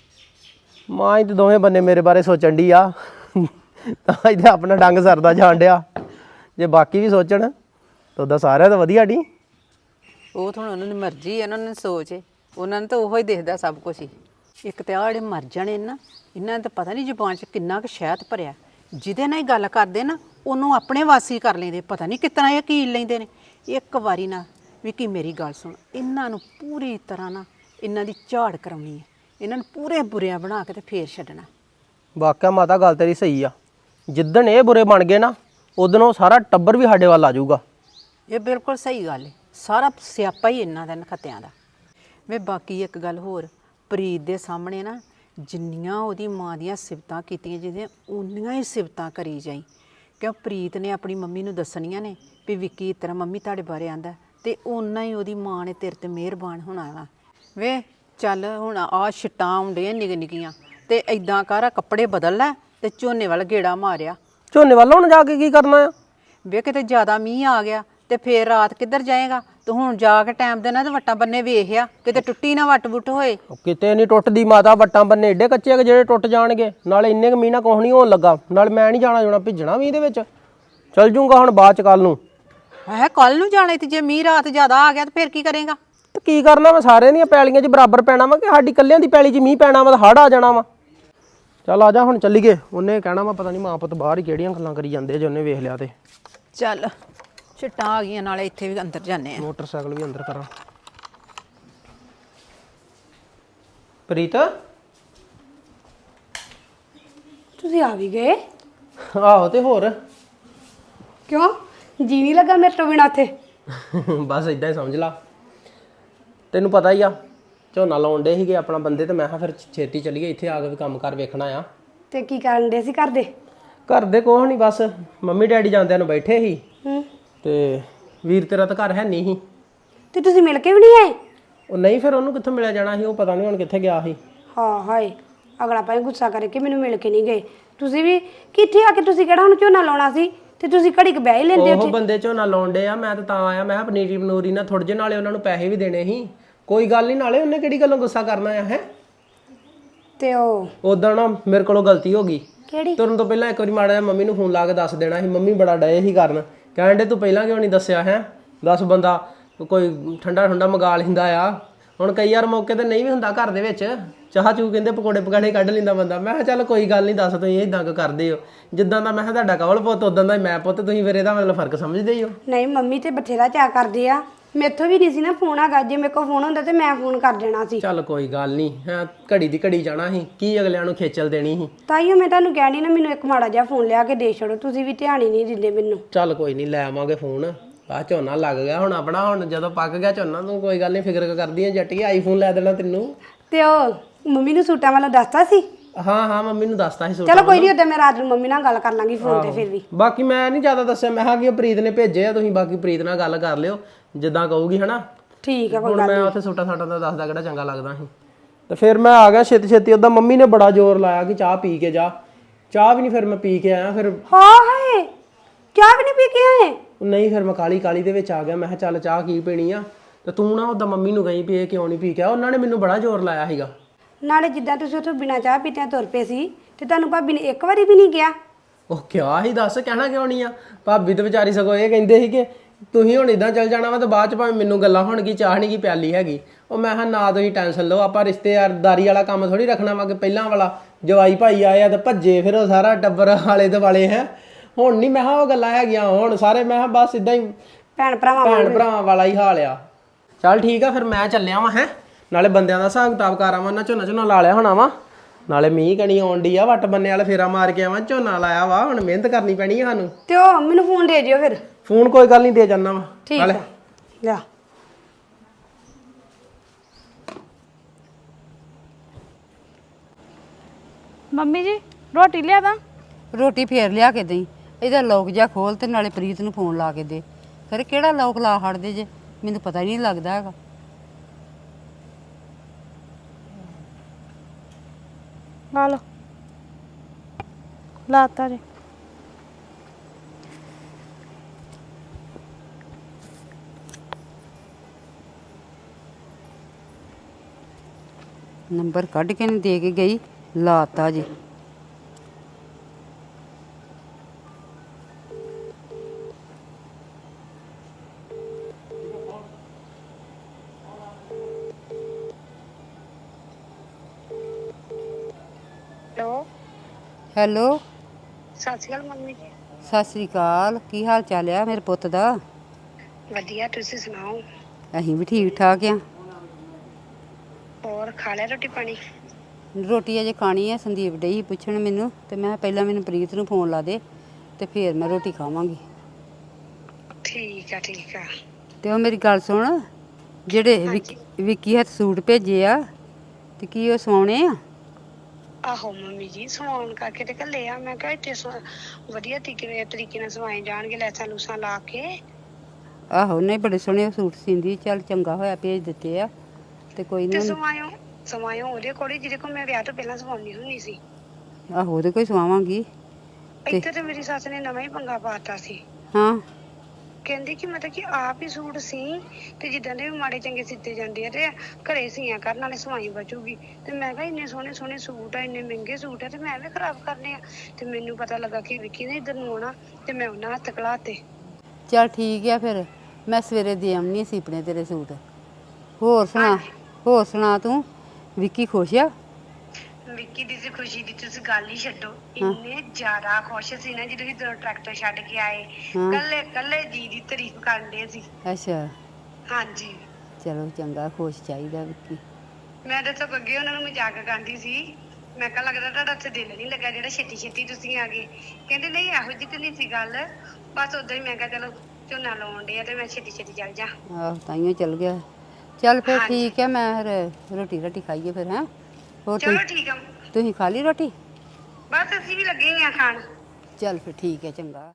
Speaker 1: ਮਾਂ ਹੀ ਤੇ ਦੋਵੇਂ ਬੰਨੇ ਮੇਰੇ ਬਾਰੇ ਸੋਚਣ ਦੀ ਆ। ਤਾਂ ਇਹਦੇ ਆਪਣਾ ਡੰਗ ਸਰਦਾ ਜਾਣ ਡਿਆ। ਜੇ ਬਾਕੀ ਵੀ ਸੋਚਣ ਤਾਂ ਉਹਦਾ ਸਾਰਿਆਂ ਦਾ ਵਧੀਆ ਨਹੀਂ।
Speaker 5: ਉਹ ਤਾਂ ਹੁਣ ਉਹਨਾਂ ਦੀ ਮਰਜ਼ੀ ਹੈ, ਉਹਨਾਂ ਨੇ ਸੋਚ, ਉਹਨਾਂ ਨੂੰ ਤਾਂ ਉਹੋ ਹੀ ਦਿਖਦਾ ਸਭ ਕੁਝ ਹੀ। ਇੱਕ ਤੇ ਆਹ ਜਿਹੜੇ ਮਰ ਜਾਣੇ ਨਾ, ਇਹਨਾਂ ਨੇ ਤਾਂ ਪਤਾ ਨਹੀਂ ਜ਼ੁਬਾਨ 'ਚ ਕਿੰਨਾ ਕੁ ਸ਼ਹਿਦ ਭਰਿਆ। ਜਿਹਦੇ ਨਾਲ ਹੀ ਗੱਲ ਕਰਦੇ ਨਾ, ਉਹਨੂੰ ਆਪਣੇ ਵਾਸੀ ਕਰ ਲੈਂਦੇ। ਪਤਾ ਨਹੀਂ ਕਿਤਨਾ ਇਹ ਕੀਲ ਲੈਂਦੇ ਨੇ। ਇੱਕ ਵਾਰੀ ਨਾ ਵਿੱਕੀ ਮੇਰੀ ਗੱਲ ਸੁਣ, ਇਹਨਾਂ ਨੂੰ ਪੂਰੀ ਤਰ੍ਹਾਂ ਨਾ ਇਹਨਾਂ ਦੀ ਝਾੜ ਕਰਾਉਣੀ ਹੈ। ਇਹਨਾਂ ਨੂੰ ਪੂਰੇ ਬੁਰਿਆਂ ਬਣਾ ਕੇ ਤੇ ਫੇਰ ਛੱਡਣਾ।
Speaker 1: ਵਾਕਿਆ ਮਾਤਾ ਗੱਲ ਤੇਰੀ ਸਹੀ ਆ। ਜਿੱਦਣ ਇਹ ਬੁਰੇ ਬਣ ਗਏ ਨਾ, ਉਦੋਂ ਸਾਰਾ ਟੱਬਰ ਵੀ ਸਾਡੇ ਵੱਲ ਆ ਜਾਊਗਾ।
Speaker 5: ਇਹ ਬਿਲਕੁਲ ਸਹੀ ਗੱਲ ਹੈ। ਸਾਰਾ ਸਿਆਪਾ ਹੀ ਇਹਨਾਂ ਦਾ ਨਖੱਤਿਆਂ ਦਾ। ਵੇ ਬਾਕੀ ਇੱਕ ਗੱਲ ਹੋਰ, ਪ੍ਰੀਤ ਦੇ ਸਾਹਮਣੇ ਨਾ ਜਿੰਨੀਆਂ ਉਹਦੀ ਮਾਂ ਦੀਆਂ ਸਿਫਤਾਂ ਕੀਤੀਆਂ ਜਿਹਦੇ ਉਨੀਆਂ ਹੀ ਸਿਫਤਾਂ ਕਰੀ ਜਾਈ। ਕਿਉਂ ਪ੍ਰੀਤ ਨੇ ਆਪਣੀ ਮੰਮੀ ਨੂੰ ਦੱਸਣੀਆਂ ਨੇ ਵੀ ਵਿੱਕੀ ਇਸ ਤਰ੍ਹਾਂ ਮੰਮੀ ਤੁਹਾਡੇ ਬਾਰੇ ਆਂਦਾ, ਤੇ ਓਨਾ ਹੀ ਉਹਦੀ ਮਾਂ ਨੇ ਤੇਰੇ ਤੇ ਮਿਹਰਬਾਨ ਹੋਣਾ ਵਾ। ਵੇ ਚੱਲ ਹੁਣ ਆਹ ਛਿੱਟਾਂ ਆਉਂਦੀਆਂ ਨਿੱਕ ਨਿੱਕੀਆਂ, ਤੇ ਐਦਾਂ ਕਰ ਕੱਪੜੇ ਬਦਲ ਲੈ ਤੇ ਝੋਨੇ ਵੱਲ ਗੇੜਾ ਮਾਰਿਆ।
Speaker 1: ਝੋਨੇ ਵੱਲ ਹੁਣ ਜਾ ਕੇ ਕੀ ਕਰਨਾ ਆ?
Speaker 5: ਵੇ ਕਿਤੇ ਜ਼ਿਆਦਾ ਮੀਂਹ ਆ ਗਿਆ ਤੇ ਫੇਰ ਰਾਤ ਕਿੱਧਰ ਜਾਏਗਾ? ਤੂੰ ਹੁਣ ਜਾ ਕੇ ਟਾਈਮ ਦੇ ਨਾਲ ਤੇ ਵੱਟਾਂ ਬੰਨੇ ਵੇਖਿਆ, ਕਿਤੇ ਟੁੱਟੀ ਨਾ ਵੱਟ ਵੁੱਟ ਹੋਏ।
Speaker 1: ਕਿਤੇ ਨਹੀਂ ਟੁੱਟਦੀ ਮਾਤਾ। ਵੱਟਾਂ ਬੰਨੇ ਏਡੇ ਕੱਚੇ ਆ ਕਿ ਜਿਹੜੇ ਟੁੱਟ ਜਾਣਗੇ। ਨਾਲੇ ਇੰਨੇ ਕੁ ਮੀਂਹ ਨਾਲ ਕੁਛ ਨਹੀਂ ਹੋਣ ਲੱਗਾ। ਨਾਲ ਮੈਂ ਨਹੀਂ ਜਾਣਾ ਜੁਣਾ ਭਿੱਜਣਾ ਮੀਂਹ ਦੇ ਵਿੱਚ। ਚੱਲ ਜੂੰਗਾ ਹੁਣ ਬਾਅਦ ਚ ਕੱਲ ਨੂੰ।
Speaker 5: ਹੈ ਕੱਲ ਨੂੰ ਜਾਣਾ ਤੇ ਜੇ ਮੀਂਹ ਰਾਤ ਜ਼ਿਆਦਾ ਆ ਗਿਆ ਤੇ ਫੇਰ ਕੀ ਕਰੇਗਾ?
Speaker 1: ਤੇ ਕੀ ਕਰਨਾ ਵਾ? ਸਾਰਿਆਂ ਦੀਆਂ ਪੈਲੀਆਂ 'ਚ ਬਰਾਬਰ ਪੈਣਾ ਵਾ ਕਿ ਸਾਡੀ ਇਕੱਲਿਆਂ ਦੀ ਪੈਲੀ 'ਚ ਮੀਂਹ ਪੈਣਾ ਵਾ ਤਾਂ ਹੜ੍ਹ ਆ ਜਾਣਾ ਵਾ? ਚੱਲ ਆ ਜਾ ਹੁਣ ਚੱਲੀਏ। ਉਹਨੇ ਕਹਿਣਾ ਵਾ ਪਤਾ ਨਹੀਂ ਮਾਂ ਪੁੱਤ ਬਾਹਰ ਹੀ ਕਿਹੜੀਆਂ ਗੱਲਾਂ ਕਰੀ ਜਾਂਦੇ ਜੇ ਉਹਨੇ ਵੇਖ ਲਿਆ ਤੇ।
Speaker 5: ਚੱਲ ਛਿੱਟਾਂ ਆ ਗਈਆਂ, ਨਾਲੇ ਇੱਥੇ ਵੀ ਅੰਦਰ ਜਾਂਦੇ ਆ।
Speaker 1: ਮੋਟਰਸਾਈਕਲ ਵੀ ਅੰਦਰ ਕਰਾਂ। ਪ੍ਰੀਤ
Speaker 2: ਤੁਸੀਂ ਆ ਵੀ ਗਏ?
Speaker 1: ਆਹੋ ਤੇ ਹੋਰ
Speaker 2: ਕਿਉਂ ਜੀ ਨਹੀਂ ਲੱਗਾ ਮੇਰੇ ਤੋਂ ਬਿਨਾਂ ਉੱਥੇ?
Speaker 1: ਬਸ ਇਦਾਂ ਹੀ ਸਮਝ ਲਾ। ਤੈਨੂੰ ਪਤਾ ਹੀ ਆ ਝੋਨਾ ਲਾਉਣ ਡੇ ਸੀਗੇ ਆਪਣਾ ਬੰਦੇ, ਤੇ ਮੈਂ ਕਿਹਾ ਫਿਰ ਛੇਤੀ ਚੱਲੀਏ, ਇੱਥੇ ਆ ਕੇ ਵੀ ਕੰਮ ਕਾਰ ਵੇਖਣਾ ਆ।
Speaker 2: ਤੇ ਕੀ ਕਰਨ ਦੇ ਸੀ ਕਰਦੇ?
Speaker 1: ਘਰ ਦੇ ਕੁਛ ਨਹੀਂ, ਬਸ ਮੰਮੀ ਡੈਡੀ ਜਾਂਦਿਆਂ ਨੂੰ ਬੈਠੇ ਸੀ।
Speaker 2: ਹੂੰ।
Speaker 1: ਤੇ ਵੀਰ ਤੇਰਾ ਤਾਂ ਘਰ ਹੈ ਨਹੀਂ ਸੀ।
Speaker 2: ਤੇ ਤੁਸੀਂ ਮਿਲ ਕੇ ਵੀ ਨਹੀਂ ਆਏ?
Speaker 1: ਉਹ ਨਹੀਂ, ਫਿਰ ਉਹਨੂੰ ਕਿੱਥੋਂ ਮਿਲਿਆ ਜਾਣਾ ਸੀ। ਉਹ ਪਤਾ ਨਹੀਂ ਹੁਣ ਕਿੱਥੇ ਗਿਆ ਸੀ।
Speaker 2: ਹਾਂ ਹਾਏ, ਅਗਲਾ ਭਾਈ ਗੁੱਸਾ ਕਰਕੇ ਮੈਨੂੰ ਮਿਲ ਕੇ ਨਹੀਂ ਗਏ। ਤੁਸੀਂ ਵੀ ਕਿੱਥੇ ਆ ਕੇ, ਤੁਸੀਂ ਕਿਹੜਾ ਹੁਣ ਝੋਨਾ ਲਾਉਣਾ ਸੀ ਤੇ ਤੁਸੀਂ ਘੜੀ ਕ ਬਹਿ ਹੀ ਲੈਂਦੇ
Speaker 1: ਉਹ ਬੰਦੇ ਝੋਨਾ ਲਾਉਣ ਡੇ ਆ। ਮੈਂ ਤਾਂ ਆਇਆ, ਮੈਂ ਕਿਹਾ ਪਨੀਰੀ ਪਨੂਰੀ ਨਾ ਥੋੜੇ ਜਿਹੇ, ਨਾਲੇ ਉਹਨਾਂ ਨੂੰ ਪੈਸੇ ਵੀ ਦੇਣੇ ਸੀ। ਕੋਈ ਗੱਲ ਨਹੀਂ, ਨਾਲੇ ਉਹਨੇ ਕਿਹੜੀ ਗੱਲੋਂ ਗੁੱਸਾ ਕਰਨਾ ਆ ਹੈ।
Speaker 2: ਤੇ ਉਹ
Speaker 1: ਉਦੋਂ ਨਾ ਮੇਰੇ ਕੋਲੋਂ ਗਲਤੀ ਹੋ ਗਈ।
Speaker 2: ਕਿਹੜੀ?
Speaker 1: ਤੁਰਨ ਤੋਂ ਪਹਿਲਾਂ ਇੱਕ ਵਾਰੀ ਮਾੜਾ ਜਿਹਾ ਮੰਮੀ ਨੂੰ ਫੋਨ ਲਾ ਕੇ ਦੱਸ ਦੇਣਾ ਸੀ। ਮੰਮੀ ਬੜਾ ਡਏ ਸੀ ਕਰਨ, ਕਹਿਣ ਡੇ ਤੂੰ ਪਹਿਲਾਂ ਕਿਉਂ ਨਹੀਂ ਦੱਸਿਆ ਹੈ? ਦੱਸ ਬੰਦਾ ਕੋਈ ਠੰਡਾ ਠੰਡਾ ਮੰਗਾ ਲੈਂਦਾ ਆ। ਹੁਣ ਕਈ ਵਾਰ ਮੌਕੇ ਤੇ ਨਹੀਂ ਵੀ ਹੁੰਦਾ ਘਰ ਦੇ ਵਿੱਚ, ਚਾਹ ਚੂ ਕਹਿੰਦੇ ਪਕੌੜੇ ਪਕਾੜੇ ਕੱਢ ਲੈਂਦਾ ਬੰਦਾ। ਮੈਂ ਕਿਹਾ ਚੱਲ ਕੋਈ ਗੱਲ ਨਹੀਂ, ਦੱਸ ਤੁਸੀਂ ਇਦਾਂ ਕਿਉਂ ਕਰਦੇ ਹੋ? ਜਿੱਦਾਂ ਦਾ ਮੈਂ ਕਿਹਾ ਤੁਹਾਡਾ ਕਵਲ ਪੁੱਤ ਉਦਾਂ ਦਾ ਮੈਂ ਪੁੱਤ, ਤੁਸੀਂ ਫਿਰ ਇਹਦਾ ਮਤਲਬ ਫਰਕ ਸਮਝਦੇ ਹੀ ਹੋ।
Speaker 2: ਨਹੀਂ, ਮੰਮੀ ਤੇ ਬਥੇਰਾ ਚਾਅ ਕਰਦੇ ਆ। ਮੇਥੋਂ ਵੀ ਨਹੀਂ ਸੀ ਨਾ ਫੋਨ ਹੈਗਾ। ਜੇ ਮੇਰੇ ਕੋਲ ਫੋਨ ਹੁੰਦਾ ਤੇ ਮੈਂ ਫੋਨ ਕਰ ਦੇਣਾ ਸੀ।
Speaker 1: ਚੱਲ ਕੋਈ ਗੱਲ ਨਹੀਂ ਹੈ, ਘੜੀ ਦੀ ਘੜੀ ਜਾਣਾ ਸੀ, ਕੀ ਅਗਲਿਆਂ ਨੂੰ ਖੇਚਲ ਦੇਣੀ ਸੀ।
Speaker 2: ਤਾਈਓ ਮੈਂ ਤੁਹਾਨੂੰ ਕਹਿਣੀ ਨਾ, ਮੈਨੂੰ ਇੱਕ ਮਾੜਾ ਜਿਹਾ ਫੋਨ ਲਿਆ ਕੇ ਦੇ ਛੱਡੋ। ਤੁਸੀਂ ਵੀ ਧਿਆਨ ਹੀ ਨਹੀਂ ਦਿੰਦੇ ਮੈਨੂੰ।
Speaker 1: ਚੱਲ ਕੋਈ ਨਹੀਂ, ਲੈ ਆਵਾਂਗੇ ਫੋਨ। ਆ ਝੋਨਾ ਲੱਗ ਗਿਆ ਹੁਣ ਆਪਣਾ, ਹੁਣ ਜਦੋਂ ਪੱਕ ਗਿਆ ਝੋਨਾ ਤੂੰ ਕੋਈ ਗੱਲ ਨਹੀਂ ਫਿਕਰ ਕਰਦੀ ਆ ਜੱਟੀਏ, ਆਈਫੋਨ ਲੈ ਦੇਣਾ ਤੈਨੂੰ।
Speaker 2: ਤੇ ਉਹ ਮੰਮੀ ਨੂੰ ਸੂਟਾਂ ਵਾਲਾ ਦੱਸਤਾ ਸੀ?
Speaker 1: ਹਾਂ ਹਾਂ, ਮੰਮੀ ਨੂੰ ਦੱਸਤਾ ਸੀ।
Speaker 2: ਚਲੋ ਕੋਈ ਨਹੀਂ, ਉਦੋਂ ਮੈਂ ਰਾਤ ਨੂੰ ਮੰਮੀ ਨਾਲ ਗੱਲ ਕਰ ਲਾਂਗੀ ਫੋਨ ਤੇ। ਫਿਰ ਵੀ
Speaker 1: ਬਾਕੀ ਮੈਂ ਨਹੀਂ ਜ਼ਿਆਦਾ ਦੱਸਿਆ, ਮੈਂ ਕਿਹਾ ਕਿ ਉਹ ਪ੍ਰੀਤ ਨੇ ਭੇਜੇ ਆ, ਤੁਸੀਂ ਬਾਕੀ ਪ੍ਰੀਤ ਨਾਲ ਗੱਲ ਕਰ ਲਿਓ ਜਿੱਦਾਂ ਕਹੂਗੀ ਹਨਾ।
Speaker 2: ਠੀਕ ਆ, ਕੋਈ
Speaker 1: ਹੁਣ ਮੈਂ ਉੱਥੇ ਸੂਟਾਂ ਸਾਟਾਂ ਦਾ ਦੱਸਦਾ ਕਿਹੜਾ ਚੰਗਾ ਲੱਗਦਾ ਸੀ। ਤੇ ਫਿਰ ਮੈਂ ਆ ਗਿਆ ਛੇਤੀ ਛੇਤੀ। ਉਹਦਾ ਮੰਮੀ ਨੇ ਬੜਾ ਜ਼ੋਰ ਲਾਇਆ ਕਿ ਚਾਹ ਪੀ ਕੇ ਜਾ। ਚਾਹ ਵੀ ਨਹੀਂ ਫਿਰ ਮੈਂ ਪੀ ਕੇ ਆਇਆ। ਫਿਰ
Speaker 2: ਹਾਂ ਹਾਏ, ਚਾਹ ਵੀ ਨਹੀਂ ਪੀ ਕੇ ਆਏ?
Speaker 1: ਨਹੀਂ, ਫਿਰ ਮੈਂ ਕਾਲੀ ਕਾਲੀ ਦੇ ਵਿੱਚ ਆ ਗਿਆ। ਮੈਂ ਕਿਹਾ ਚੱਲ ਚਾਹ ਕੀ ਪੀਣੀ ਆ, ਤੇ ਤੂੰ ਨਾ ਉਹਦਾ ਮੰਮੀ ਨੂੰ ਗਈ ਵੀ ਇਹ ਕਿਉਂ ਨਹੀਂ ਪੀ ਕੇ ਆ। ਉਹਨਾਂ ਨੇ ਮੈਨੂੰ ਬੜਾ ਜ਼ੋਰ ਲਾਇਆ ਸੀਗਾ।
Speaker 2: ਨਾਲੇ ਜਿੱਦਾਂ ਤੁਸੀਂ ਉੱਥੋਂ ਬਿਨਾਂ ਚਾਹ ਪੀਤਿਆਂ ਤੁਰ ਪਏ ਸੀ, ਤੇ ਤੁਹਾਨੂੰ ਭਾਬੀ ਨੇ ਇੱਕ ਵਾਰੀ ਵੀ ਨਹੀਂ ਕਿਹਾ?
Speaker 1: ਉਹ ਕਿਹਾ ਹੀ, ਦੱਸ ਕਹਿਣਾ ਕਿਉਂ ਨਹੀਂ ਆ। ਭਾਬੀ ਤੇ ਵਿਚਾਰੀ ਸਗੋਂ ਇਹ ਕਹਿੰਦੇ ਸੀ ਕਿ ਤੁਸੀਂ ਹੁਣ ਇਦਾਂ ਚੱਲ ਜਾਣਾ ਵਾ ਤੇ ਬਾਅਦ ਚ ਭਾਵੇਂ ਮੈਨੂੰ ਗੱਲਾਂ ਹੋਣਗੀ, ਚਾਹ ਨਹੀਂ ਕੀ ਪਿਆਲੀ ਹੈਗੀ। ਉਹ ਮੈਂ ਕਿਹਾ ਨਾ ਤੁਸੀਂ ਟੈਨਸ਼ਨ ਲਓ, ਆਪਾਂ ਰਿਸ਼ਤੇਦਾਰੀ ਵਾਲਾ ਕੰਮ ਥੋੜੀ ਰੱਖਣਾ ਵਾ ਕਿ ਪਹਿਲਾਂ ਵਾਲਾ ਜਵਾਈ ਭਾਈ ਆਏ ਆ ਤੇ ਭੱਜੇ ਫਿਰ ਉਹ ਸਾਰਾ ਟੱਬਰ ਆਲੇ ਦੁਆਲੇ ਹੈ। ਹੁਣ ਨਹੀਂ ਮੈਂ ਕਿਹਾ ਉਹ ਗੱਲਾਂ ਹੈਗੀਆਂ, ਹੁਣ ਸਾਰੇ ਮੈਂ ਕਿਹਾ ਬਸ ਇਦਾਂ ਹੀ
Speaker 2: ਭੈਣ ਭਰਾਵਾਂ
Speaker 1: ਵਾਲਾ ਹੀ ਹਾਲ ਆ। ਚੱਲ ਠੀਕ ਆ ਫਿਰ ਮੈਂ ਚੱਲਿਆ ਵਾਂ ਹੈ, ਨਾਲੇ ਬੰਦਿਆਂ ਦਾ ਹਿਸਾਬ ਕਿਤਾਬ ਕਰ ਆਵਾਂ ਨਾ, ਝੋਨਾ ਲਾ ਲਿਆ ਹੋਣਾ ਵਾ, ਨਾਲੇ ਮੀਂਹ ਕਣੀ ਆਉਣ ਡਈ ਆ, ਵੱਟ ਬੰਨੇ ਵਾਲੇ ਫੇਰਾ ਮਾਰ ਕੇ ਆਵਾਂ, ਝੋਨਾ ਲਾਇਆ ਵਾ, ਹੁਣ ਮਿਹਨਤ ਕਰਨੀ ਪੈਣੀ ਆ ਸਾਨੂੰ।
Speaker 2: ਤੇ ਉਹ ਮੈਨੂੰ ਫੋਨ ਦੇ ਜਿਓ ਫਿਰ।
Speaker 1: ਫੋਨ ਕੋਈ ਗੱਲ ਨਹੀਂ, ਦੇ ਜਾਨਾ ਵਾ।
Speaker 2: ਠੀਕ ਆ ਲਿਆ।
Speaker 4: ਮੰਮੀ ਜੀ ਰੋਟੀ ਲਿਆ ਦਾਂ?
Speaker 3: ਰੋਟੀ ਫੇਰ ਲਿਆ ਕੇ ਦੇਈ, ਇਹਦਾ ਲੋਕ ਜਾ ਖੋਲ ਤੇ ਨਾਲੇ ਪ੍ਰੀਤ ਨੂੰ ਫੋਨ ਲਾ ਕੇ ਦੇ। ਫਿਰ ਕਿਹੜਾ ਲੋਕ ਲਾ ਹੜਦੇ ਜੇ, ਮੈਨੂੰ ਪਤਾ ਹੀ ਨਹੀਂ ਲੱਗਦਾ ਹੈਗਾ।
Speaker 4: ਆ ਲਓ, ਲਾਤਾ ਜੀ।
Speaker 3: ਨੰਬਰ ਕੱਢ ਕੇ ਨਹੀਂ ਦੇ ਕੇ ਗਈ, ਲਾਤਾ ਜੀ।
Speaker 2: ਹੈਲੋ
Speaker 3: ਹੈਲੋ,
Speaker 2: ਸਤਿ ਸ਼੍ਰੀ ਅਕਾਲ ਮੰਮੀ ਜੀ।
Speaker 3: ਸਤਿ ਸ੍ਰੀ ਅਕਾਲ। ਕੀ ਹਾਲ ਚਾਲ ਆ ਮੇਰੇ ਪੁੱਤ ਦਾ?
Speaker 2: ਵਧੀਆ, ਤੁਸੀਂ ਸੁਣਾਓ?
Speaker 3: ਅਸੀਂ ਵੀ ਠੀਕ ਠਾਕ ਆ।
Speaker 2: ਹੋਰ ਖਾ ਲਿਆ ਰੋਟੀ ਪਾਣੀ?
Speaker 3: ਰੋਟੀ ਅਜੇ ਖਾਣੀ ਆ। ਸੰਦੀਪ ਡਈ ਪੁੱਛਣ ਮੈਨੂੰ, ਤੇ ਮੈਂ ਪਹਿਲਾਂ ਮੈਨੂੰ ਪ੍ਰੀਤ ਨੂੰ ਫੋਨ ਲਾ ਦੇ ਤੇ ਫਿਰ ਮੈਂ ਰੋਟੀ ਖਾਵਾਂਗੀ।
Speaker 2: ਠੀਕ ਆ ਠੀਕ ਆ।
Speaker 3: ਤੇ ਉਹ ਮੇਰੀ ਗੱਲ ਸੁਣ, ਜਿਹੜੇ ਵਿੱਕੀ ਹੱਥ ਸੂਟ ਭੇਜੇ ਆ ਤੇ ਕੀ ਉਹ ਸਵਾਉਣੇ ਆ?
Speaker 2: ਆਹੋ ਮੰਮੀ ਜੀ, ਸਵਾਉਣ ਕਰਕੇ ਤੇ ਘੱਲੇ ਆ। ਮੈਂ ਕਿਹਾ ਇੱਥੇ ਵਧੀਆ ਤਰੀਕੇ ਨਾਲ ਸਵਾਏ ਜਾਣਗੇ, ਲੈਸਾਂ ਲੂਸਾਂ ਲਾ ਕੇ।
Speaker 3: ਆਹੋ, ਨਹੀਂ ਬੜੇ ਸੋਹਣੇ ਸੂਟ ਸੀਂਦੀ। ਚੱਲ ਚੰਗਾ ਹੋਇਆ ਭੇਜ ਦਿੱਤੇ ਆ। ਤੇ ਕੋਈ
Speaker 2: ਤੇ
Speaker 3: ਨਹੀਂ,
Speaker 2: ਸਵਾਇਓ ਉਹਦੇ ਕੋਲ ਹੀ ਜਿਹਦੇ ਕੋਲ ਮੈਂ ਵਿਆਹ ਤੋਂ ਪਹਿਲਾਂ ਸਵਾਉਣੀ ਹੁੰਦੀ ਸੀ।
Speaker 3: ਆਹੋ ਉਹਦੇ ਕੋਈ ਸਵਾਵਾਂਗੀ।
Speaker 2: ਇੱਥੇ ਤੇ ਮੇਰੀ ਸੱਸ ਨੇ ਨਵਾਂ ਹੀ ਪੰਗਾ ਪਾਤਾ ਸੀ।
Speaker 3: ਹਾਂ,
Speaker 2: ਕਹਿੰਦੀ ਕਿ ਮਤਲਬ ਕਿ ਆਪ ਹੀ ਸੂਟ ਸੀ ਤੇ ਜਿੱਦਾਂ ਦੇ ਵੀ ਮਾੜੇ ਚੰਗੇ ਸਿੱਤੇ ਜਾਂਦੇ ਆ ਤੇ ਘਰੇ ਸੀਆਂ ਕਰਨ ਨਾਲੇ ਸਵਾਈ ਬਚੂਗੀ। ਤੇ ਮੈਂ ਕਿਹਾ ਇੰਨੇ ਸੋਹਣੇ ਸੋਹਣੇ ਸੂਟ ਆ, ਇੰਨੇ ਮਹਿੰਗੇ ਸੂਟ ਆ, ਤੇ ਮੈਂ ਵੀ ਖਰਾਬ ਕਰਨੇ ਆ। ਤੇ ਮੈਨੂੰ ਪਤਾ ਲੱਗਾ ਕਿ ਵਿੱਕੀ ਨੇ ਇੱਧਰ ਨੂੰ ਆਉਣਾ ਤੇ ਮੈਂ ਉਹਨਾਂ ਹੱਥ ਘਲਾਤੇ।
Speaker 3: ਚੱਲ ਠੀਕ ਆ, ਫਿਰ ਮੈਂ ਸਵੇਰੇ ਦੇ ਆਉਣੀ ਸੀਪਣੇ ਤੇਰੇ ਸੂਟ। ਹੋਰ ਸੁਣਾ ਤੂੰ? ਵਿੱਕੀ ਖੁਸ਼ ਆ?
Speaker 2: ਵਿੱਕੀ ਦੀ ਖੁਸ਼ੀ ਦੀ ਤੁਸੀਂ ਗੱਲ ਹੀ ਛੱਡੋ। ਇੰਨੇ ਜ਼ਿਆਦਾ ਖੁਸ਼ ਸੀ ਨਾ ਜਦੋਂ ਅਸੀਂ ਟਰੈਕਟਰ ਛੱਡ ਕੇ ਆਏ, ਕੱਲੇ ਜੀ ਦੀ ਤਾਰੀਫ ਕਰਦੇ ਸੀ।
Speaker 3: ਅੱਛਾ,
Speaker 2: ਹਾਂਜੀ।
Speaker 3: ਚਲੋ ਚੰਗਾ, ਖੁਸ਼ ਚਾਹੀਦਾ ਵਿੱਕੀ।
Speaker 2: ਮੈਂ ਤਾਂ ਸਗੋਂ ਅੱਗੇ ਉਹਨਾਂ ਨੂੰ ਮਜ਼ਾਕ ਕਰਦੀ ਸੀ। ਮੈਂ ਕਿਹਾ ਲੱਗਦਾ ਤੁਹਾਡਾ ਉੱਥੇ ਦਿਲ ਨਹੀਂ ਲੱਗਾ ਜਿਹੜਾ ਛੇਤੀ ਛੇਤੀ ਤੁਸੀਂ ਆ ਗਏ। ਕਹਿੰਦੇ ਨਹੀਂ, ਇਹੋ ਜਿਹੀ ਤਾਂ ਨਹੀਂ ਸੀ ਗੱਲ, ਬਸ ਉਦਾਂ ਹੀ। ਮੈਂ ਕਿਹਾ ਚਲੋ ਝੋਨਾ ਲਾਉਣ ਡੇ ਆ ਤੇ ਮੈਂ ਛੇਤੀ ਛੇਤੀ ਚੱਲ ਜਾ।
Speaker 3: ਆਹੋ, ਤਾਈਓ ਚੱਲ ਗਿਆ। ਚੱਲ ਫਿਰ ਠੀਕ ਹੈ, ਮੈਂ ਫਿਰ ਰੋਟੀ ਖਾਈਏ ਫਿਰ। ਹੈਂ, ਹੋਰ
Speaker 2: ਚਲੋ ਠੀਕ ਆ।
Speaker 3: ਤੁਸੀਂ ਖਾ ਲਈ ਰੋਟੀ?
Speaker 2: ਬਸ ਅਸੀਂ ਵੀ ਲੱਗੇ ਹੀ ਆ ਖਾਣ।
Speaker 3: ਚੱਲ ਫਿਰ ਠੀਕ ਹੈ, ਚੰਗਾ।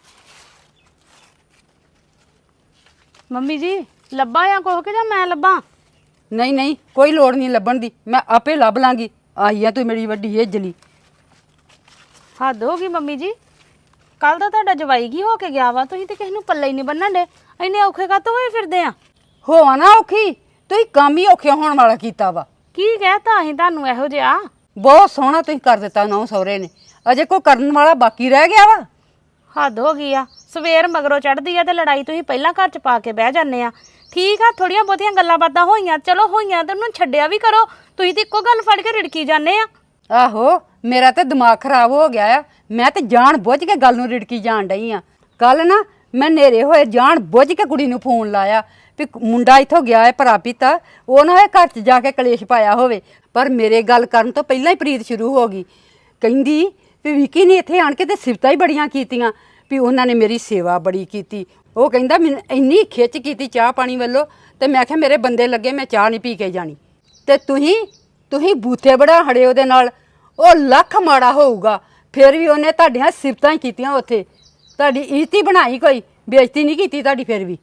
Speaker 4: ਮੰਮੀ ਜੀ ਲੱਭਾ ਜਾਂ ਕੋਹ ਕੇ ਜਾਂ ਮੈਂ ਲੱਭਾਂ?
Speaker 3: ਨਹੀਂ ਨਹੀਂ, ਕੋਈ ਲੋੜ ਨਹੀਂ ਲੱਭਣ ਦੀ, ਮੈਂ ਆਪੇ ਲੱਭ ਲਾਂਗੀ। ਆਈ ਆ ਤੂੰ ਮੇਰੀ ਵੱਡੀ ਏਜਲੀ।
Speaker 4: ਹੱਦ ਹੋ ਗਈ ਮੰਮੀ ਜੀ, ਕੱਲ ਦਾ ਤੁਹਾਡਾ ਜਵਾਈ ਕੀ ਹੋ ਕੇ ਗਿਆ ਵਾ? ਤੁਸੀਂ ਤੇ ਕਿਸੇ ਨੂੰ ਪੱਲੇ ਹੀ ਨਹੀਂ ਬੰਨਣ ਡੇ, ਇੰਨੇ ਔਖੇ ਕਾਤੋਂ ਹੋਏ ਫਿਰਦੇ ਆ?
Speaker 3: ਹੋਆ ਨਾ ਔਖੀ, ਤੁਸੀਂ ਕੰਮ ਹੀ ਔਖੇ ਹੋਣ ਵਾਲਾ ਕੀਤਾ ਵਾ।
Speaker 4: ਕੀ ਕਹਿਤਾ ਅਸੀਂ ਤੁਹਾਨੂੰ ਇਹੋ ਜਿਹਾ?
Speaker 3: ਬਹੁਤ ਸੋਹਣਾ ਤੁਸੀਂ ਕਰ ਦਿੱਤਾ ਨੌ ਸਹੁਰੇ ਨੇ, ਅਜੇ ਕੋਈ ਕਰਨ ਵਾਲਾ ਬਾਕੀ ਰਹਿ ਗਿਆ ਵਾ?
Speaker 4: ਹੱਦ ਹੋ ਗਈ ਆ, ਸਵੇਰ ਮਗਰੋਂ ਚੜਦੀ ਆ ਤੇ ਲੜਾਈ ਤੁਸੀਂ ਪਹਿਲਾਂ ਘਰ ਚ ਪਾ ਕੇ ਬਹਿ ਜਾਂਦੇ ਆ। ਠੀਕ ਆ, ਥੋੜੀਆਂ ਬਹੁਤੀਆਂ ਗੱਲਾਂ ਬਾਤਾਂ ਹੋਈਆਂ, ਚਲੋ ਹੋਈਆਂ ਤੇ ਉਹਨੂੰ ਛੱਡਿਆ ਵੀ ਕਰੋ। ਤੁਸੀਂ ਤੇ ਇੱਕੋ ਗੱਲ ਫੜ ਕੇ ਰਿੜਕੀ ਜਾਂਦੇ ਆ।
Speaker 3: ਆਹੋ, ਮੇਰਾ ਤੇ ਦਿਮਾਗ ਖਰਾਬ ਹੋ ਗਿਆ ਆ। ਮੈਂ ਤੇ ਜਾਣ ਬੁੱਝ ਕੇ ਗੱਲ ਨੂੰ ਰਿੜਕੀ ਜਾਣ ਡਈ ਆ। ਕੱਲ ਨਾ ਮੈਂ ਨੇਰੇ ਹੋਏ ਜਾਣ ਬੁੱਝ ਕੇ ਕੁੜੀ ਨੂੰ ਫੋਨ ਲਾਇਆ ਵੀ ਮੁੰਡਾ ਇੱਥੋਂ ਗਿਆ ਹੈ ਪਰਾਪੀਤਾ, ਉਹ ਨਾ ਹੋਏ ਘਰ 'ਚ ਜਾ ਕੇ ਕਲੇਸ਼ ਪਾਇਆ ਹੋਵੇ। ਪਰ ਮੇਰੇ ਗੱਲ ਕਰਨ ਤੋਂ ਪਹਿਲਾਂ ਹੀ ਪ੍ਰੀਤ ਸ਼ੁਰੂ ਹੋ ਗਈ। ਕਹਿੰਦੀ ਵੀ ਵਿੱਕੀ ਨੇ ਇੱਥੇ ਆਣ ਕੇ ਤੇ ਸਿਫਤਾਂ ਹੀ ਬੜੀਆਂ ਕੀਤੀਆਂ ਵੀ ਉਹਨਾਂ ਨੇ ਮੇਰੀ ਸੇਵਾ ਬੜੀ ਕੀਤੀ। ਉਹ ਕਹਿੰਦਾ ਮੈਨੂੰ ਇੰਨੀ ਖਿੱਚ ਕੀਤੀ ਚਾਹ ਪਾਣੀ ਵੱਲੋਂ, ਤੇ ਮੈਂ ਕਿਹਾ ਮੇਰੇ ਬੰਦੇ ਲੱਗੇ, ਮੈਂ ਚਾਹ ਨਹੀਂ ਪੀ ਕੇ ਜਾਣੀ। ਤੇ ਤੁਸੀਂ ਬੂਥੇ ਬੜਾ ਹੜੇ ਉਹਦੇ ਨਾਲ। ਉਹ ਲੱਖ ਮਾੜਾ ਹੋਊਗਾ, ਫਿਰ ਵੀ ਉਹਨੇ ਤੁਹਾਡੀਆਂ ਸਿਫਤਾਂ ਹੀ ਕੀਤੀਆਂ। ਉੱਥੇ ਤੁਹਾਡੀ ਇੱਜ਼ਤ ਹੀ ਬਣਾਈ, ਕੋਈ ਬੇਇੱਜ਼ਤੀ ਨਹੀਂ ਕੀਤੀ ਤੁਹਾਡੀ। ਫਿਰ ਵੀ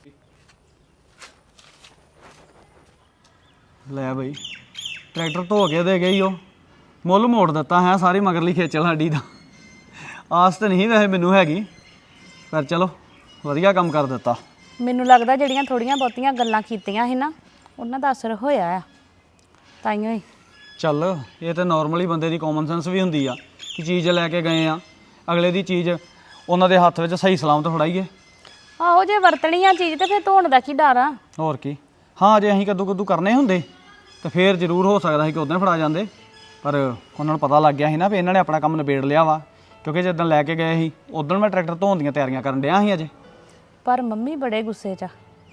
Speaker 6: ਲੈ ਬਈ, ਟਰੈਕਟਰ ਧੋ ਕੇ ਦੇ ਗਈ, ਉਹ ਮੁੱਲ ਮੋੜ ਦਿੱਤਾ ਹੈ ਸਾਰੀ ਮਗਰਲੀ ਖੇਚਲ ਸਾਡੀ ਦਾ। ਆਸ ਤਾਂ ਨਹੀਂ ਵੈਸੇ ਮੈਨੂੰ ਹੈਗੀ, ਪਰ ਚਲੋ ਵਧੀਆ ਕੰਮ ਕਰ ਦਿੱਤਾ।
Speaker 4: ਮੈਨੂੰ ਲੱਗਦਾ ਜਿਹੜੀਆਂ ਥੋੜੀਆਂ ਬਹੁਤੀਆਂ ਗੱਲਾਂ ਕੀਤੀਆਂ ਸੀ ਨਾ, ਉਹਨਾਂ ਦਾ ਅਸਰ ਹੋਇਆ ਆ, ਤਾਈਓ ਹੀ।
Speaker 6: ਚੱਲ ਇਹ ਤਾਂ ਨਾਰਮਲੀ ਬੰਦੇ ਦੀ ਕਾਮਨ ਸੈਂਸ ਵੀ ਹੁੰਦੀ ਆ ਕਿ ਚੀਜ਼ ਲੈ ਕੇ ਗਏ ਆ, ਅਗਲੇ ਦੀ ਚੀਜ਼ ਉਹਨਾਂ ਦੇ ਹੱਥ ਵਿੱਚ ਸਹੀ ਸਲਾਮਤ ਫੜਾਈਏ।
Speaker 4: ਆਹੋ, ਜੇ ਵਰਤਣੀ ਆ ਚੀਜ਼ ਤੇ ਫਿਰ ਧੋਣ ਦਾ ਕੀ ਡਰ ਆ?
Speaker 6: ਹੋਰ ਕੀ। ਹਾਂ, ਜੇ ਅਸੀਂ ਕੱਦੂ ਕਰਨੇ ਹੁੰਦੇ ਤਾਂ ਫੇਰ ਜ਼ਰੂਰ ਹੋ ਸਕਦਾ ਸੀ ਕਿ ਉਦਾਂ ਫੜਾ ਜਾਂਦੇ। ਪਰ ਉਹਨਾਂ ਨੂੰ ਪਤਾ ਲੱਗ ਗਿਆ ਸੀ ਨਾ ਵੀ ਇਹਨਾਂ ਨੇ ਆਪਣਾ ਕੰਮ ਨਿਬੇੜ ਲਿਆ ਵਾ, ਕਿਉਂਕਿ ਜਦੋਂ ਲੈ ਕੇ ਗਏ ਸੀ ਉਦੋਂ ਮੈਂ ਟਰੈਕਟਰ ਧੋਣ ਦੀਆਂ ਤਿਆਰੀਆਂ ਕਰਨ ਡਿਆ ਸੀ ਅਜੇ।
Speaker 4: ਪਰ ਮੰਮੀ ਬੜੇ ਗੁੱਸੇ 'ਚ ਆ।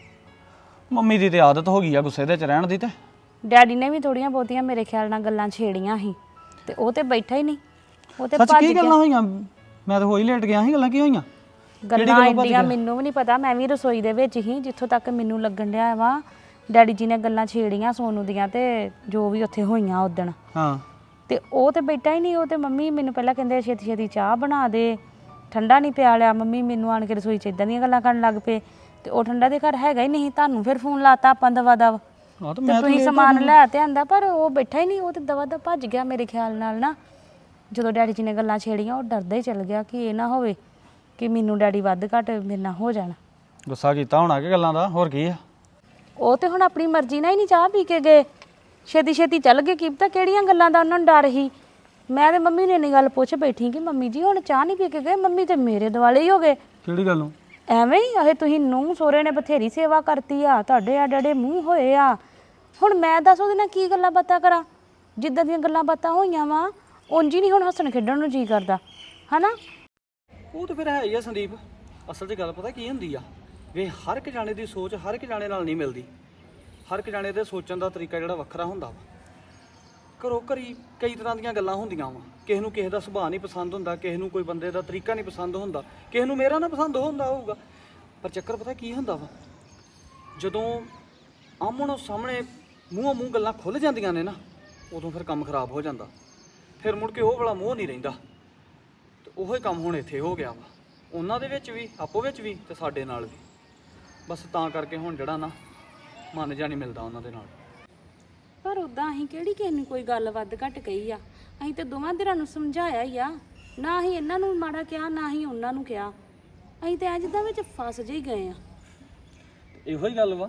Speaker 6: ਮੰਮੀ ਦੀ ਤੇ ਆਦਤ ਹੋ ਗਈ ਆ ਗੁੱਸੇ ਦੇ ਚ ਰਹਿਣ ਦੀ। ਤੇ
Speaker 4: ਡੈਡੀ ਨੇ ਵੀ ਥੋੜੀਆਂ ਬਹੁਤੀਆਂ ਮੇਰੇ ਖਿਆਲ ਨਾਲ ਗੱਲਾਂ ਛੇੜੀਆਂ ਸੀ ਤੇ ਉਹ ਤੇ ਬੈਠਾ ਹੀ ਨਹੀਂ, ਉਹ ਤੇ
Speaker 6: ਸੱਚ
Speaker 4: ਭੱਜ
Speaker 6: ਕੀ
Speaker 4: ਗਿਆ।
Speaker 6: ਗੱਲਾਂ ਹੋਈਆਂ? ਮੈਂ ਤਾਂ ਹੋਈ ਲੇਟ ਗਿਆ ਸੀ, ਗੱਲਾਂ ਕੀ ਹੋਈਆਂ?
Speaker 4: ਗੱਲਾਂ ਇੰਡੀਆਂ ਮੈਨੂੰ ਵੀ ਨਹੀਂ ਪਤਾ, ਮੈਂ ਵੀ ਰਸੋਈ ਦੇ ਵਿੱਚ ਹੀ, ਜਿੱਥੋਂ ਤੱਕ ਮੈਨੂੰ ਲੱਗਣ ਡਿਆ ਵਾ ਡੈਡੀ ਜੀ ਨੇ ਗੱਲਾਂ ਛੇੜੀਆਂ ਸੋਨੂ ਦੀਆਂ ਤੇ ਜੋ ਵੀ ਉੱਥੇ ਹੋਈਆਂ ਉਦਣ।
Speaker 6: ਹਾਂ
Speaker 4: ਤੇ ਉਹ ਤੇ ਬੈਠਾ ਹੀ ਨਹੀਂ। ਉਹ ਤੇ ਮੰਮੀ ਮੈਨੂੰ ਪਹਿਲਾਂ ਕਹਿੰਦੇ ਛੇਤੀ ਛੇਤੀ ਚਾਹ ਬਣਾ ਦੇ, ਠੰਡਾ ਨਹੀਂ ਪਿਆ ਲਿਆ। ਮੰਮੀ ਮੈਨੂੰ ਆਣ ਕੇ ਰਸੋਈ 'ਚ ਇਦਾਂ ਦੀਆਂ ਗੱਲਾਂ ਕਰਨ ਲੱਗ ਪਏ ਤੇ ਉਹ ਠੰਡਾ ਦੇ ਘਰ ਹੈਗਾ ਹੀ ਨਹੀਂ। ਤੁਹਾਨੂੰ ਫਿਰ ਫੋਨ ਲਾਤਾ ਆਪਾਂ ਦਵਾ ਦਵ
Speaker 6: ਆ ਤਾਂ
Speaker 4: ਤੇ
Speaker 6: ਮੈਂ
Speaker 4: ਤੁਸੀਂ ਸਮਾਨ ਲੈ ਤੇ ਆਂਦਾ, ਪਰ ਉਹ ਬੈਠਾ ਹੀ ਨਹੀਂ। ਉਹ ਤੇ ਦਵਾ ਦਵ ਭੱਜ ਗਿਆ ਮੇਰੇ ਖਿਆਲ ਨਾਲ ਨਾ। ਜਦੋਂ ਡੈਡੀ ਜੀ ਨੇ ਗੱਲਾਂ ਛੇੜੀਆਂ ਉਹ ਡਰਦਾ ਹੀ ਚਲ ਗਿਆ ਕਿ ਇਹ ਨਾ ਹੋਵੇ ਕਿ ਮੈਨੂੰ ਡੈਡੀ ਵੱਧ ਘੱਟ ਮੇਰੇ ਨਾਲ ਹੋ ਜਾਣ।
Speaker 6: ਗੁੱਸਾ ਕੀਤਾ ਹੋਣਾ ਕਿ ਗੱਲਾਂ ਦਾ, ਹੋਰ ਕੀ ਆ?
Speaker 4: ਉਹ ਤੇ ਹੁਣ ਆਪਣੀ ਮਰਜ਼ੀ ਨਾਲ ਹੀ ਨਹੀਂ ਚਾਹ ਪੀ ਕੇ ਗਏ, ਛੇਤੀ ਛੇਤੀ ਚੱਲ ਗਏ। ਕੀ ਪਤਾ ਕਿਹੜੀਆਂ ਗੱਲਾਂ ਦਾ ਉਹਨਾਂ ਨੂੰ ਡਰ ਸੀ। ਮੈਂ ਤੇ ਮੰਮੀ ਨੇ ਇੰਨੀ ਗੱਲ ਪੁੱਛ ਬੈਠੀ ਕਿ ਮੰਮੀ ਜੀ ਹੁਣ ਚਾਹ ਨਹੀਂ ਪੀ ਕੇ ਗਏ। ਮੰਮੀ ਤੇ ਮੇਰੇ ਦੁਆਲੇ ਹੀ ਹੋ ਗਏ।
Speaker 6: ਕਿਹੜੀ ਗੱਲ ਨੂੰ?
Speaker 4: ਐਵੇਂ ਹੀ ਆਹੇ ਤੁਸੀਂ ਨੂੰਹ ਸੋਹਰੇ ਨੇ ਬਥੇਰੀ ਸੇਵਾ ਕਰਤੀ ਆ, ਤੁਹਾਡੇ ਆ ਡੜੇ ਮੂੰਹ ਹੋਏ ਆ। ਹੁਣ ਮੈਂ ਦੱਸ ਉਹਦੇ ਨਾਲ ਕੀ ਗੱਲਾਂ ਬਾਤਾਂ ਕਰਾਂ? ਜਿੱਦਾਂ ਦੀਆਂ ਗੱਲਾਂ ਬਾਤਾਂ ਹੋਈਆਂ ਵਾ ਉਂਝ ਹੀ ਨਹੀਂ ਹੁਣ ਹੱਸਣ ਖੇਡਣ ਨੂੰ ਜੀ ਕਰਦਾ, ਹਨਾ?
Speaker 6: ਉਹ ਤਾਂ ਫਿਰ ਹੈ ਹੀ ਆ ਸੰਦੀਪ। ਅਸਲ 'ਚ ਗੱਲ ਪਤਾ ਕੀ ਹੁੰਦੀ ਆ, ਵੀ ਹਰ ਇੱਕ ਜਾਣੇ ਦੀ ਸੋਚ ਹਰ ਇੱਕ ਜਾਣੇ ਨਾਲ ਨਹੀਂ ਮਿਲਦੀ। ਹਰ ਇੱਕ ਜਾਣੇ ਦੇ ਸੋਚਣ ਦਾ ਤਰੀਕਾ ਜਿਹੜਾ ਵੱਖਰਾ ਹੁੰਦਾ ਵਾ। ਘਰੋਂ ਘਰੀ ਕਈ ਤਰ੍ਹਾਂ ਦੀਆਂ ਗੱਲਾਂ ਹੁੰਦੀਆਂ ਵਾ। ਕਿਸੇ ਨੂੰ ਕਿਸੇ ਦਾ ਸੁਭਾਅ ਨਹੀਂ ਪਸੰਦ ਹੁੰਦਾ, ਕਿਸੇ ਨੂੰ ਕੋਈ ਬੰਦੇ ਦਾ ਤਰੀਕਾ ਨਹੀਂ ਪਸੰਦ ਹੁੰਦਾ, ਕਿਸੇ ਨੂੰ ਮੇਰਾ ਨਾ ਪਸੰਦ ਹੁੰਦਾ ਹੋਊਗਾ। ਪਰ ਚੱਕਰ ਪਤਾ ਕੀ ਹੁੰਦਾ ਵਾ, ਜਦੋਂ ਆਮਣੋ ਸਾਹਮਣੇ ਮੂੰਹੋਂ ਮੂੰਹ ਗੱਲਾਂ ਖੁੱਲ੍ਹ ਜਾਂਦੀਆਂ ਨੇ ਨਾ, ਉਦੋਂ ਫਿਰ ਕੰਮ ਖਰਾਬ ਹੋ ਜਾਂਦਾ। ਫਿਰ ਮੁੜ ਕੇ ਉਹ ਵਾਲਾ ਮੂੰਹ ਨਹੀਂ ਰਹਿੰਦਾ। ਤੇ ਉਹੋ ਹੀ ਕੰਮ ਹੁਣ ਇੱਥੇ ਹੋ ਗਿਆ ਵਾ, ਉਹਨਾਂ ਦੇ ਵਿੱਚ ਵੀ, ਆਪੋ ਵਿੱਚ ਵੀ, ਤੇ ਸਾਡੇ ਨਾਲ ਵੀ। ਬਸ ਤਾਂ ਕਰਕੇ ਹੁਣ ਜਿਹੜਾ ਨਾ ਮਨ ਜਿਹਾ ਨਹੀਂ ਮਿਲਦਾ ਉਹਨਾਂ ਦੇ ਨਾਲ।
Speaker 4: ਪਰ ਉਦਾਂ ਅਸੀਂ ਕਿਹੜੀ ਕਿਸੇ ਨੂੰ ਕੋਈ ਗੱਲ ਵੱਧ ਘੱਟ ਕਹੀ ਆ? ਅਸੀਂ ਤੇ ਦੋਵਾਂ ਧਿਰਾਂ ਨੂੰ ਸਮਝਾਇਆ ਹੀ ਆ। ਨਾ ਅਸੀਂ ਇਹਨਾਂ ਨੂੰ ਮਾੜਾ ਕਿਹਾ, ਨਾ ਅਸੀਂ ਉਹਨਾਂ ਨੂੰ ਕਿਹਾ। ਅਸੀਂ ਤੇ ਜਿੱਦਾਂ ਵਿੱਚ ਫਸ ਜਿਹੀ ਗਏ ਆ।
Speaker 6: ਇਹੋ ਹੀ ਗੱਲ ਵਾ।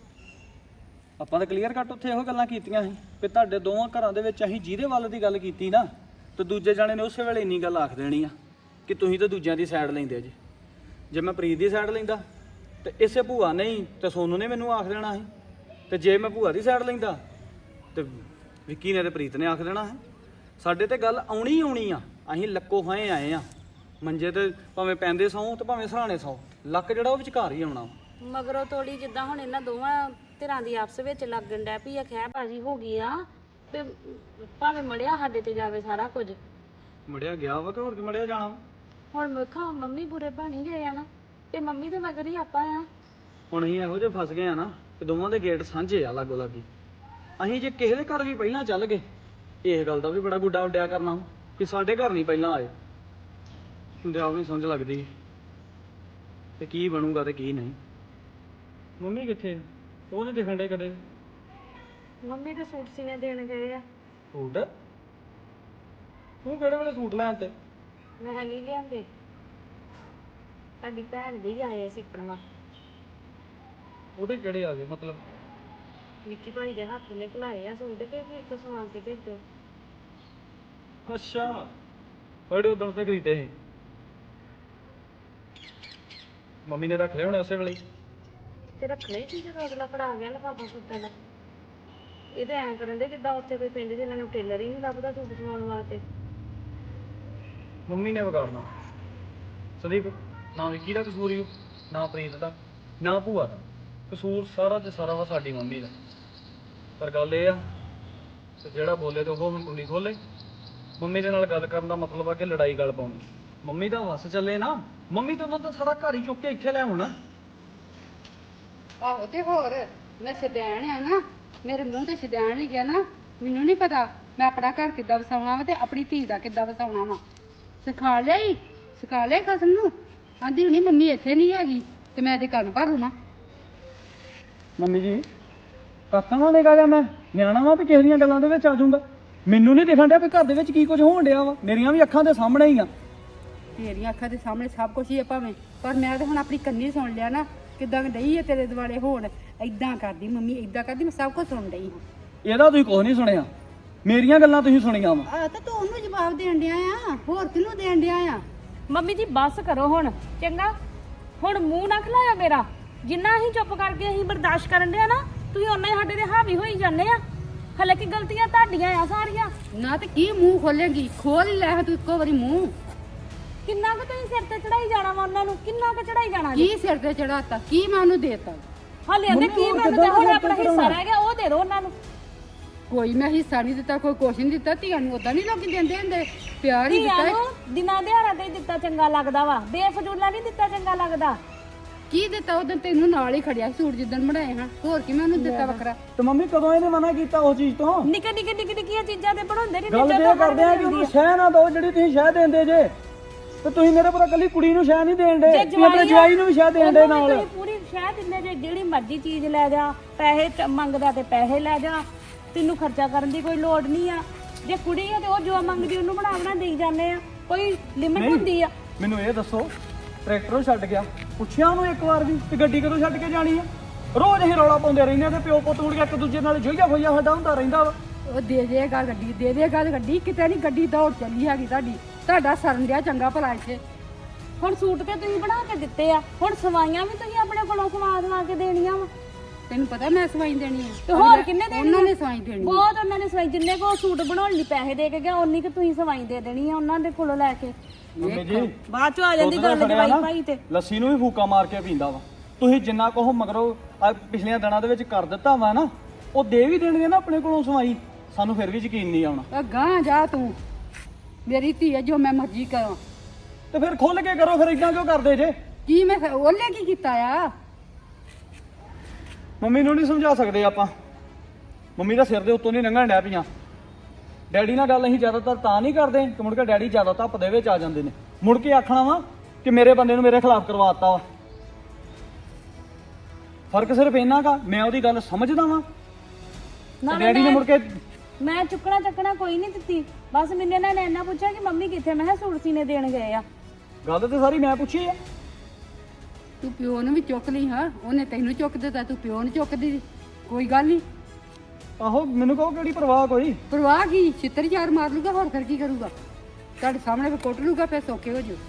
Speaker 6: ਆਪਾਂ ਤਾਂ ਕਲੀਅਰ ਕੱਟ ਉੱਥੇ ਇਹੋ ਗੱਲਾਂ ਕੀਤੀਆਂ ਸੀ ਕਿ ਤੁਹਾਡੇ ਦੋਵਾਂ ਘਰਾਂ ਦੇ ਵਿੱਚ ਅਸੀਂ ਜਿਹਦੇ ਵੱਲ ਦੀ ਗੱਲ ਕੀਤੀ ਨਾ, ਤੇ ਦੂਜੇ ਜਾਣੇ ਨੇ ਉਸੇ ਵੇਲੇ ਇੰਨੀ ਗੱਲ ਆਖ ਦੇਣੀ ਆ ਕਿ ਤੁਸੀਂ ਤਾਂ ਦੂਜਿਆਂ ਦੀ ਸਾਈਡ ਲੈਂਦੇ ਜੀ। ਜੇ ਮੈਂ ਪ੍ਰੀਤ ਦੀ ਸਾਈਡ ਲੈਂਦਾ ਤੇ ਇਸੇ ਭੂਆ ਨਹੀਂ ਤੇ ਸੋਨੂ ਨੇ ਮੈਨੂੰ ਆਖ ਦੇਣਾ ਸੀ, ਤੇ ਜੇ ਮੈਂ ਭੂਆ ਦੀ ਸਾਈਡ ਲੈਂਦਾ ਤੇ ਵਿੱਕੀ ਨੇ ਤੇ ਪ੍ਰੀਤ ਨੇ ਆਖ ਦੇਣਾ ਹੈ। ਸਾਡੇ ਤੇ ਗੱਲ ਆਉਣੀ ਹੀ ਆਉਣੀ ਆ। ਅਸੀਂ ਲੱਕੋ ਖਾਏ ਆਏ ਆ ਮੰਜੇ ਤੇ, ਭਾਵੇਂ ਪੈਂਦੇ ਸੌਂ ਤੇ ਭਾਵੇਂ ਸਰਾਣੇ ਸੌਂ, ਲੱਕ ਜਿਹੜਾ ਉਹ ਵਿਚਕਾਰ ਹੀ ਆਉਣਾ।
Speaker 4: ਮਗਰੋਂ ਤੋੜੀ ਜਿੱਦਾਂ ਹੁਣ ਇਹਨਾਂ ਦੋਵਾਂ ਧਿਰਾਂ ਦੀ ਆਪਸ ਵਿੱਚ ਲੱਗਣ ਡੈ ਪਈ ਆ, ਖਹਿ ਬਾਜੀ ਹੋ ਗਈ ਆ। ਤੇ ਭਾਵੇਂ ਮੜਿਆ ਸਾਡੇ ਤੇ ਜਾਵੇ ਸਾਰਾ ਕੁਝ।
Speaker 6: ਮੜਿਆ ਗਿਆ ਵਾ ਕਿ ਹੋਰ ਕੀ ਮੜਿਆ ਜਾਣਾ ਵਾ?
Speaker 4: ਹੁਣ ਵੇਖਾਂ ਮੰਮੀ ਬੁਰੇ ਬਣ ਗਏ ਆ ਨਾ, ਤੇ ਮੰਮੀ ਦੇ ਮਗਰ ਹੀ ਆਪਾਂ ਆ।
Speaker 6: ਹੁਣ ਅਸੀਂ ਇਹੋ ਜਿਹੇ ਫਸ ਗਏ ਆ ਨਾ ਕਿ ਦੋਵਾਂ ਦੇ ਗੇਟ ਸਾਂਝੇ ਆ ਲਾਗੋ ਲਾਗੀ। ਅਸੀਂ ਜੇ ਕਿਸੇ ਦੇ ਘਰ ਵੀ ਪਹਿਲਾਂ ਚੱਲ ਗਏ, ਇਸ ਗੱਲ ਦਾ ਵੀ ਬੜਾ ਗੁੱਡਾ ਉੱਡਿਆ ਕਰਨਾ ਕਿ ਸਾਡੇ ਘਰ ਨਹੀਂ ਪਹਿਲਾਂ ਆਏ। ਹੁੰਦੇ ਆ ਵੀ ਸਮਝ ਲੱਗਦੀ ਤੇ ਕੀ ਬਣੂਗਾ ਤੇ ਕੀ ਨਹੀਂ। ਮੰਮੀ ਕਿੱਥੇ? ਉਹ ਨਹੀਂ ਦਿਖਣ ਡੇ ਕਦੇ।
Speaker 4: ਮੰਮੀ ਦੇ ਸੂਟ ਸੀਨੇ ਦੇਣ ਗਏ ਆ।
Speaker 6: ਸੂਟ? ਤੂੰ ਕਿਹੜੇ ਵੇਲੇ ਸੂਟ ਲੈਣ ਤੇ?
Speaker 4: ਮੈਂ ਨਹੀਂ ਲਿਆਂਦੇ, ਸਾਡੀ ਭੈਣ ਦੇ ਹੀ ਆਏ ਸੀ ਸਿੱਖਣਾ।
Speaker 6: ਉਹਦੇ ਕਿਹੜੇ ਆ ਗਏ ਮਤਲਬ?
Speaker 4: ਵਿੱਕੀ ਭਾਈ ਦੇ ਹੱਥ ਨੇ ਭੁਲਾਏ ਆ ਸੂਟ ਕੇ ਵੀ ਇੱਕ ਸਵਾਂ ਕੇ ਭੇਜੋ।
Speaker 6: ਅੱਛਾ, ਬੜੇ ਉਦੋਂ ਤੇ ਖਰੀਦੇ ਸੀ। ਮੰਮੀ ਨੇ ਰੱਖ ਲਏ ਹੋਣੇ ਉਸੇ ਵੇਲੇ।
Speaker 4: ਤੇ ਰੱਖਣੇ ਸੀ ਜਦੋਂ ਅਗਲਾ ਫੜਾ ਗਿਆ ਲਿਫਾਫਾ ਸੂਟਾਂ ਦਾ। ਇਹ ਤਾਂ ਐਂ ਕਰਨ ਦੇ ਜਿੱਦਾਂ ਉੱਥੇ ਕੋਈ ਪਿੰਡ 'ਚ ਇਹਨਾਂ ਨੂੰ ਟੇਲਰ ਹੀ ਨਹੀਂ ਲੱਭਦਾ ਸੂਟ ਸਵਾਉਣ ਵਾਸਤੇ।
Speaker 6: ਮੰਮੀ ਨੇ ਵਿਗਾੜਨਾ ਸੰਦੀਪ। ਨਾ ਵਿੱਕੀ ਦਾ ਕਸੂਰ ਹੀ, ਨਾ ਪ੍ਰੀਤ ਦਾ, ਨਾ ਭੂਆ ਦਾ ਕਸੂਰ। ਸਾਰਾ ਤੇ ਸਾਰਾ ਵਾ ਸਾਡੀ ਮੰਮੀ ਦਾ। ਪਰ ਗੱਲ ਇਹ ਆ ਤੇ ਜਿਹੜਾ ਬੋਲੇ ਤੇ ਉਹ ਕੁੰਡੀ ਖੋਲੇ। ਮੰਮੀ ਦੇ ਨਾਲ ਗੱਲ ਕਰਨ ਦਾ ਮਤਲਬ ਆ ਕਿ ਲੜਾਈ ਗੱਲ ਪਾਉਣੀ। ਮੰਮੀ ਦਾ ਵਸ ਚੱਲੇ ਨਾ, ਮੰਮੀ ਤਾਂ ਉਹਨਾਂ ਦਾ ਸਾਰਾ ਘਰ ਹੀ ਚੁੱਕ ਕੇ ਇੱਥੇ ਲੈ ਆਉਣਾ।
Speaker 3: ਆਹੋ ਤੇ ਹੋਰ ਮੈਂ ਸ਼ਦੈਣ ਆ ਨਾ, ਮੇਰੇ ਮੂੰਹ ਤੇ ਸ਼ਦੈਣ ਹੀ ਗਿਆ ਨਾ। ਮੈਨੂੰ ਨਹੀਂ ਪਤਾ ਮੈਂ ਆਪਣਾ ਘਰ ਕਿੱਦਾਂ ਵਸਾਉਣਾ ਵਾ ਤੇ ਆਪਣੀ ਧੀ ਦਾ ਕਿੱਦਾਂ ਵਸਾਉਣਾ ਵਾ। ਸਿਖਾ ਲਿਆ ਕਸਮ ਨੂੰ। ਆਂਦੀ ਹੁਣੀ ਮੰਮੀ ਇੱਥੇ ਨਹੀਂ ਹੈਗੀ ਤੇ ਮੈਂ ਇਹਦੇ ਕੰਨ ਭਰ ਲਵਾਂ।
Speaker 6: ਮੰਮੀ ਜੀ ਕਾਕਾ ਨਾਲ ਨਿਕਾ ਜਾ, ਮੈਂ ਨਿਆਣਾ ਵਾ ਵੀ ਕਿਸੇ ਦੀਆਂ ਗੱਲਾਂ ਦੇ ਵਿੱਚ ਆ ਜਾਊਂਗਾ। ਮੈਨੂੰ ਨਹੀਂ ਦਿਖਣ ਡਿਆ ਵੀ ਘਰ ਦੇ ਵਿੱਚ ਕੀ ਕੁਝ ਹੋਣ ਡਿਆ ਵਾ। ਮੇਰੀਆਂ ਵੀ ਅੱਖਾਂ ਦੇ ਸਾਹਮਣੇ ਹੀ ਆ।
Speaker 3: ਤੇਰੀਆਂ ਅੱਖਾਂ ਦੇ ਸਾਹਮਣੇ ਸਭ ਕੁਝ ਹੀ ਹੈ ਭਾਵੇਂ, ਪਰ ਮੈਂ ਤਾਂ ਹੁਣ ਆਪਣੀ ਕੰਨੀ ਸੁਣ ਲਿਆ ਨਾ ਕਿੱਦਾਂ ਡਈ ਹੈ ਤੇਰੇ ਦੁਆਲੇ ਹੋਣ। ਏਦਾਂ ਕਰਦੀ ਮੰਮੀ, ਏਦਾਂ ਕਰਦੀ, ਮੈਂ ਸਭ ਕੁਝ ਸੁਣ ਡਈ ਹਾਂ।
Speaker 6: ਇਹਦਾ ਤੁਸੀਂ ਕੁਝ ਨਹੀਂ ਸੁਣਿਆ, ਮੇਰੀਆਂ ਗੱਲਾਂ ਤੁਸੀਂ ਸੁਣੀਆਂ ਵਾ।
Speaker 3: ਆ ਤਾਂ ਤੂੰ ਉਹਨੂੰ ਜਵਾਬ ਦੇਣ ਡਿਆ ਆ, ਹੋਰ ਕਿਹਨੂੰ ਦੇਣ ਡਿਆ ਆ?
Speaker 4: ਮੰਮੀ ਜੀ ਬਸ ਕਰੋ ਹੁਣ, ਚੰਗਾ? ਹੁਣ ਮੂੰਹ ਨਾ ਖਲਾਇਆ ਮੇਰਾ। ਜਿੰਨਾ ਅਸੀਂ ਚੁੱਪ ਕਰਕੇ ਅਸੀਂ ਬਰਦਾਸ਼ਤ ਕਰਨ ਡਿਆ ਨਾ, ਤੁਸੀਂ ਉਹਨਾਂ ਹੀ ਸਾਡੇ ਤੇ ਹਾਵੀ ਹੋਈ ਜਾਂਦੇ ਆ। ਹਲੇ ਕੀ ਗਲਤੀਆਂ ਤੁਹਾਡੀਆਂ ਆ ਸਾਰੀਆਂ।
Speaker 3: ਨਾ ਤੇ ਕੀ ਮੂੰਹ ਖੋਲੇਗੀ, ਖੋਲ ਹੀ ਲੈ ਤੂੰ ਇੱਕੋ ਵਾਰੀ ਮੂੰਹ।
Speaker 4: ਕਿੰਨਾ ਕੁ ਤੁਸੀਂ ਸਿਰ ਤੇ ਚੜਾਈ ਜਾਣਾ ਵਾ ਉਹਨਾਂ ਨੂੰ, ਕਿੰਨਾ ਕੁ ਚੜਾਈ ਜਾਣਾ ਜੀ?
Speaker 3: ਕੀ ਸਿਰ ਤੇ ਚੜਾਤਾ, ਕੀ ਮੈਂ ਉਹਨੂੰ ਦੇਤਾ?
Speaker 4: ਹਲੇ ਆਂਦੇ ਕੀ ਮੈਨੂੰ ਤੇ ਹੁਣ ਆਪਣਾ ਹਿੱਸਾ ਰਹਿ ਗਿਆ ਉਹ ਦੇ ਦਿਓ ਉਹਨਾਂ ਨੂੰ।
Speaker 3: ਕੋਈ ਮੈਂ ਹਿੱਸਾ ਨਹੀਂ ਦਿੱਤਾ, ਕੋਈ ਕੁਛ ਨਹੀਂ ਦਿੱਤਾ। ਧੀਆਂ ਨੂੰ ਉਦਾਂ ਨਹੀਂ ਲੋਕੀ ਦਿੰਦੇ ਹੁੰਦੇ, ਪਿਆਰ ਹੀ ਦਿੱਤਾ।
Speaker 4: ਧੀਆਂ ਨੂੰ ਦਿਨਾਂ ਦਿਹਾੜਾਂ ਤੇ ਹੀ ਦਿੱਤਾ ਚੰਗਾ ਲੱਗਦਾ ਵਾ, ਬੇਫਜ਼ੂਲਾ ਨਹੀਂ ਦਿੱਤਾ ਚੰਗਾ ਲੱਗਦਾ।
Speaker 3: ਕੀ ਦਿੱਤਾ? ਉਦੋਂ ਤੈਨੂੰ ਨਾਲ ਹੀ ਖੜਿਆ ਸੂਟ ਜਿੱਦਣ ਬਣਾਏ ਹਾਂ, ਹੋਰ ਕੀ ਮੈਂ ਉਹਨੂੰ ਦਿੱਤਾ ਵੱਖਰਾ?
Speaker 6: ਤੇ ਮੰਮੀ ਕਦੋਂ ਇਹਨੇ ਮਨਾ ਕੀਤਾ ਉਸ ਚੀਜ਼ ਤੋਂ?
Speaker 4: ਨਿੱਕੇ ਨਿੱਕੇ ਨਿੱਕੇ ਨਿੱਕੀਆਂ ਚੀਜ਼ਾਂ ਤੇ ਬਣਾਉਂਦੇ ਨਹੀਂ।
Speaker 6: ਗੱਲ ਇਹ ਕਰਦੇ ਆ ਕਿ ਉਹਨੂੰ ਸ਼ਹਿ ਨਾ ਦਿਓ ਜਿਹੜੀ ਤੁਸੀਂ ਸ਼ਹਿ ਦਿੰਦੇ ਜੇ, ਤੇ ਤੁਸੀਂ ਮੇਰੇ ਪੁੱਤ ਕੱਲੀ ਕੁੜੀ ਨੂੰ ਸ਼ਹਿ ਨਹੀਂ ਦੇਣ ਦੇ, ਤੁਸੀਂ ਆਪਣੇ ਜਵਾਈ ਨੂੰ ਵੀ ਸ਼ਹਿ ਦੇਣ ਦੇ ਨਾਲ।
Speaker 4: ਤੁਸੀਂ ਪੂਰੀ ਸ਼ਹਿ ਦਿੰਦੇ ਜੇ, ਜਿਹੜੀ ਮਰਜ਼ੀ ਚੀਜ਼ ਲੈ ਜਾ, ਪੈਸੇ ਮੰਗਦਾ ਤੇ ਪੈਸੇ ਲੈ ਜਾ, ਤੈਨੂੰ ਖਰਚਾ ਕਰਨ ਦੀ ਕੋਈ ਲੋੜ ਨਹੀਂ ਆ। ਜੇ ਕੁੜੀ ਆ ਤੇ ਉਹ ਜੋ ਮੰਗਦੀ ਉਹਨੂੰ ਬਣਾ ਦੇਈ ਜਾਂਦੇ ਆ, ਕੋਈ ਲਿਮਿਟ ਹੁੰਦੀ ਆ।
Speaker 6: ਮੈਨੂੰ ਇਹ ਦੱਸੋ, ਟਰੈਕਟਰੋਂ ਛੱਡ ਗਿਆ, ਪੁੱਛਿਆ ਉਹਨੂੰ ਇੱਕ ਵਾਰ ਵੀ ਤੇ ਗੱਡੀ ਕਦੋਂ ਛੱਡ ਕੇ ਜਾਣੀ ਆ? ਰੋਜ਼ ਅਸੀਂ ਰੌਲਾ ਪਾਉਂਦੇ ਰਹਿੰਦੇ ਆ ਤੇ ਪਿਓ ਪੁੱਤ ਮੁੜ ਕੇ ਇੱਕ ਦੂਜੇ ਨਾਲ ਜੋਈਆ ਹੋਈਆ ਸਾਡਾ ਹੁੰਦਾ ਰਹਿੰਦਾ ਵਾ।
Speaker 3: ਉਹ ਦੇ ਦੇਗਾ ਗੱਡੀ, ਦੇ ਦੇਗਾ ਗੱਡੀ। ਕਿਤੇ ਨਹੀਂ ਗੱਡੀ ਦੌੜ ਚੱਲੀ ਹੈਗੀ ਤੁਹਾਡੀ, ਤੁਹਾਡਾ ਸਰਨ ਦਿਆ ਚੰਗਾ ਭਲਾ ਇੱਥੇ।
Speaker 4: ਹੁਣ ਸੂਟ ਤੇ ਤੁਸੀਂ ਬਣਾ ਕੇ ਦਿੱਤੇ ਆ, ਹੁਣ ਸਵਾਈਆਂ ਵੀ ਤੁਸੀਂ ਆਪਣੇ ਕੋਲੋਂ ਸਵਾ ਕੇ ਦੇਣੀਆਂ ਵਾ।
Speaker 3: ਤੈਨੂੰ ਪਤਾ ਮੈਂ ਸਵਾਈ ਦੇਣੀ ਹੈ
Speaker 4: ਤੇ ਹੋਰ ਕਿੰਨੇ ਦੇਣੀ?
Speaker 3: ਉਹਨਾਂ ਨੇ ਸਵਾਈ ਦੇਣੀ।
Speaker 4: ਬਹੁਤ ਉਹਨਾਂ ਨੇ ਸਵਾਈ, ਜਿੰਨੇ ਕੋ ਸੂਟ ਬਣਾਉਣ ਲਈ ਪੈਸੇ ਦੇ ਕੇ ਗਿਆ ਉਨੀ ਕਿ ਤੁਸੀਂ ਸਵਾਈ ਦੇ ਦੇਣੀ ਆ ਉਹਨਾਂ ਦੇ ਕੋਲੋਂ ਲੈ ਕੇ।
Speaker 6: ਮੰਮੀ ਜੀ
Speaker 4: ਬਾਅਦ ਚ ਆ ਜਾਂਦੀ ਗੱਲ ਜਵਾਈ ਭਾਈ ਤੇ।
Speaker 6: ਲੱਸੀ ਨੂੰ ਵੀ ਫੂਕਾ ਮਾਰ ਕੇ ਪੀਂਦਾ ਵਾ। ਤੁਸੀਂ ਜਿੰਨਾ ਕੋ ਮਗਰੋਂ ਪਿਛਲੀਆਂ ਦਿਨਾਂ ਦੇ ਵਿੱਚ ਕਰ ਦਿੱਤਾ ਵਾ ਨਾ, ਉਹ ਦੇ ਵੀ ਦੇਣਗੇ ਨਾ ਆਪਣੇ ਕੋਲੋਂ ਸਵਾਈ, ਸਾਨੂੰ ਫਿਰ ਵੀ ਯਕੀਨ ਨਹੀਂ ਆਉਣਾ।
Speaker 3: ਗਾਂ ਜਾ ਤੂੰ, ਮੇਰੀ ਧੀ ਹੈ, ਜੋ ਮੈਂ ਮਰਜ਼ੀ ਕਰਾਂ।
Speaker 6: ਤੇ ਫਿਰ ਖੁੱਲ ਕੇ ਕਰੋ, ਫਿਰ ਇਦਾਂ ਕਿਉਂ ਕਰਦੇ ਜੇ?
Speaker 3: ਕੀ ਮੈਂ ਉਹਲੇ ਕੀ ਕੀਤਾ ਆ?
Speaker 6: ਮੰਮੀ ਨੂੰ ਨਹੀਂ ਸਮਝਾ ਸਕਦੇ ਆਪਾਂ, ਮੰਮੀ ਦਾ ਸਿਰ ਦੇ ਉੱਤੋਂ ਨਹੀਂ ਲੰਘਣ ਡੈ ਪਈਆਂ। ਡੈਡੀ ਨਾਲ ਗੱਲ ਅਸੀਂ ਜ਼ਿਆਦਾਤਰ ਤਾਂ ਨਹੀਂ ਕਰਦੇ ਕਿ ਮੁੜ ਕੇ ਡੈਡੀ ਜ਼ਿਆਦਾ ਧੱਪ ਦੇ ਵਿੱਚ ਆ ਜਾਂਦੇ ਨੇ, ਮੁੜ ਕੇ ਆਖਣਾ ਵਾ ਕਿ ਮੇਰੇ ਬੰਦੇ ਨੂੰ ਮੇਰੇ ਖਿਲਾਫ ਕਰਵਾਤਾ ਵਾ। ਫਰਕ ਸਿਰਫ ਇੰਨਾ ਕਾ, ਮੈਂ ਉਹਦੀ ਗੱਲ ਸਮਝਦਾ ਵਾਂ, ਡੈਡੀ ਨੇ ਮੁੜ ਕੇ
Speaker 4: ਮੈਂ ਚੁੱਕਣਾ ਚੱਕਣਾ ਕੋਈ ਨਹੀਂ ਦਿੱਤੀ, ਬਸ ਮੈਨੂੰ ਇਹਨਾਂ ਨੇ ਇੰਨਾ ਪੁੱਛਿਆ ਕਿ ਮੰਮੀ ਕਿੱਥੇ, ਮੈਂ ਕਿਹਾ ਸੂਟ ਸੀਨੇ ਦੇਣ ਗਏ ਆ।
Speaker 6: ਗੱਲ ਤੇ ਸਾਰੀ ਮੈਂ ਪੁੱਛੀ ਆ।
Speaker 3: ਤੂੰ ਪਿਓ ਨੂੰ ਵੀ ਚੁੱਕ ਲਈ, ਹਾਂ ਉਹਨੇ ਤੈਨੂੰ ਚੁੱਕ ਦਿੱਤਾ, ਤੂੰ ਪਿਓ ਨੂੰ ਚੁੱਕਦੀ। ਕੋਈ ਗੱਲ ਨਹੀਂ,
Speaker 6: ਆਹੋ ਮੈਨੂੰ ਕਹੋ ਕਿਹੜੀ ਪਰਵਾਹ ਕੋਈ।
Speaker 3: ਪਰਵਾਹ ਕੀ, ਛਿੱਤਰ ਚਾਰ ਮਾਰ ਲੂਗਾ, ਹੋਰ ਫਿਰ ਕੀ ਕਰੂਗਾ? ਤੁਹਾਡੇ ਸਾਹਮਣੇ ਵੀ ਕੁੱਟ ਲੂਗਾ, ਫਿਰ ਸੌਖੇ ਹੋ ਜਾਓ।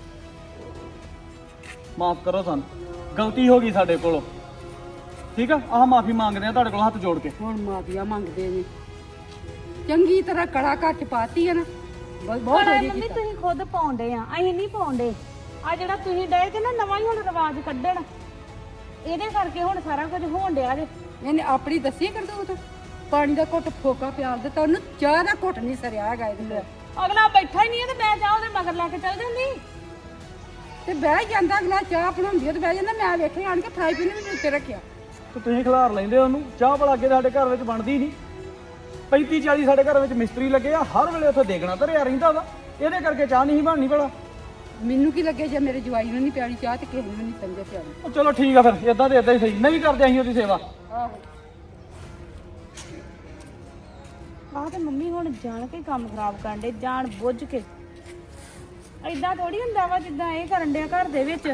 Speaker 6: ਮਾਫ ਕਰੋ ਸਾਨੂੰ, ਗਲਤੀ ਹੋ ਗਈ ਸਾਡੇ ਕੋਲੋਂ, ਠੀਕ ਆ? ਆਹ ਮਾਫੀ ਮੰਗਦੇ ਆ ਤੁਹਾਡੇ ਕੋਲ ਹੱਥ ਜੋੜ ਕੇ।
Speaker 3: ਹੁਣ ਮਾਫੀਆ ਮੰਗਦੇ ਨੇ, ਚੰਗੀ ਤਰ੍ਹਾਂ ਕੜਾ ਘਰ ਚ ਪਾਤੀ ਹੈ ਨਾ, ਬਹੁਤ ਵਧੀਆ
Speaker 4: ਮੰਮੀ
Speaker 3: ਕੀਤਾ।
Speaker 4: ਤੁਸੀਂ ਖੁਦ ਪਾਉਂਦੇ ਆ, ਅਸੀਂ ਨਹੀਂ ਪਾਉਂਦੇ। ਆ ਜਿਹੜਾ ਤੁਸੀਂ ਡਏ ਤੇ ਨਾ ਨਵਾਂ ਹੀ ਹੁਣ ਰਿਵਾਜ ਕੱਢਣ, ਇਹਦੇ ਕਰਕੇ ਹੁਣ ਸਾਰਾ ਕੁਝ ਹੋਣ ਡਿਆ ਜੇ।
Speaker 3: ਇਹਨੇ ਆਪਣੀ ਦੱਸੀ ਕਰਦੂਤ, ਪਾਣੀ ਦਾ ਘੁੱਟ ਫੋਕਾ ਪਿਆਲ ਦਿੱਤਾ ਉਹਨੂੰ, ਚਾਹ ਦਾ ਘੁੱਟ ਨਹੀਂ ਸਰਿਆ ਹੈਗਾ ਇਹਦੇ।
Speaker 4: ਅਗਲਾ ਬੈਠਾ ਹੀ ਨਹੀਂ ਹੈ ਤੇ ਮੈਂ ਚਾਹ ਉਹਦੇ ਮਗਰ ਲੈ ਕੇ ਚੱਲ ਜਾਂਦੀ।
Speaker 3: ਤੇ ਬਹਿ ਜਾਂਦਾ ਅਗਲਾ, ਚਾਹ ਬਣਾਉਂਦੀ ਤੇ ਬਹਿ ਜਾਂਦਾ। ਮੈਂ ਵੇਖਿਆ ਆਣ ਕੇ ਫਰਾਈ ਪੈਨ ਵੀ ਉੱਤੇ ਰੱਖਿਆ।
Speaker 6: ਤੇ ਤੁਸੀਂ ਖਿਲਾਰ ਲੈਂਦੇ ਉਹਨੂੰ। ਚਾਹ ਭਲਾ ਅੱਗੇ ਸਾਡੇ ਘਰ ਵਿੱਚ ਬਣਦੀ ਨਹੀਂ, 35-40 ਸਾਡੇ ਘਰ ਵਿੱਚ ਮਿਸਤਰੀ ਲੱਗੇ ਆ, ਹਰ ਵੇਲੇ ਉੱਥੇ ਦੇਖਣਾ ਧਰਿਆ ਰਹਿੰਦਾ ਵਾ, ਇਹਦੇ ਕਰਕੇ ਚਾਹ ਨਹੀਂ ਬਣਨੀ ਭਲਾ।
Speaker 3: ਮੈਨੂੰ ਕੀ ਲੱਗੇ ਜੇ ਮੇਰੇ ਜਵਾਈ ਨੂੰ ਨਹੀਂ ਪਿਆਣੀ ਚਾਹ ਤੇ ਕਿਸੇ ਨੂੰ ਨਹੀਂ ਸਮਝਿਆ ਪਿਆਣੀ।
Speaker 6: ਉਹ ਚਲੋ ਠੀਕ ਆ, ਫਿਰ ਇਦਾਂ ਤੇ ਇਦਾਂ ਹੀ ਸਹੀ, ਨਹੀਂ ਕਰਦੇ ਅਸੀਂ ਉਹਦੀ ਸੇਵਾ।
Speaker 3: ਆਹੋ
Speaker 4: ਆਹ ਤੇ ਮੰਮੀ ਹੁਣ ਜਾਣ ਕੇ ਕੰਮ ਖਰਾਬ ਕਰਨ ਦੇ, ਜਾਣ ਬੁੱਝ ਕੇ। ਏਦਾਂ ਥੋੜੀ ਹੁੰਦਾ ਵਾ ਜਿੱਦਾਂ ਇਹ ਕਰਨ ਡਿਆ ਘਰ ਦੇ ਵਿੱਚ।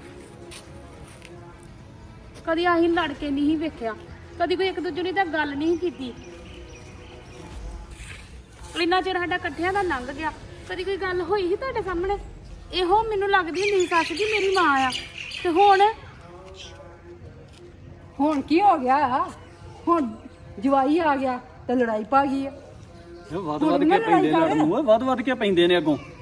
Speaker 4: ਕਦੀ ਅਸੀਂ ਲੜ ਕੇ ਨਹੀਂ ਵੇਖਿਆ, ਕਦੀ ਕੋਈ ਇੱਕ ਦੂਜੇ ਨਾਲ ਤਾਂ ਗੱਲ ਨਹੀਂ ਕੀਤੀ। ਇੰਨਾ ਚਿਰ ਸਾਡਾ ਇਕੱਠਿਆਂ ਦਾ ਲੰਘ ਗਿਆ, ਕਦੀ ਕੋਈ ਗੱਲ ਹੋਈ ਸੀ ਤੁਹਾਡੇ ਸਾਹਮਣੇ? ਇਹੋ ਮੈਨੂੰ ਲੱਗਦੀ ਹੁੰਦੀ ਸੀ ਸੱਸ ਜੀ ਮੇਰੀ ਮਾਂ ਆ, ਤੇ
Speaker 3: ਹੁਣ ਕੀ ਹੋ ਗਿਆ? ਹੁਣ ਜਵਾਈ ਆ ਗਿਆ ਤੇ ਲੜਾਈ ਪਾ ਗਈ ਆ।
Speaker 6: ਵੱਧ ਵੱਧ ਕੇ ਪੈਂਦੇ ਨੇ ਅੱਗੋਂ, ਵੱਧ ਵੱਧ ਕੇ ਪੈਂਦੇ ਨੇ ਅੱਗੋਂ।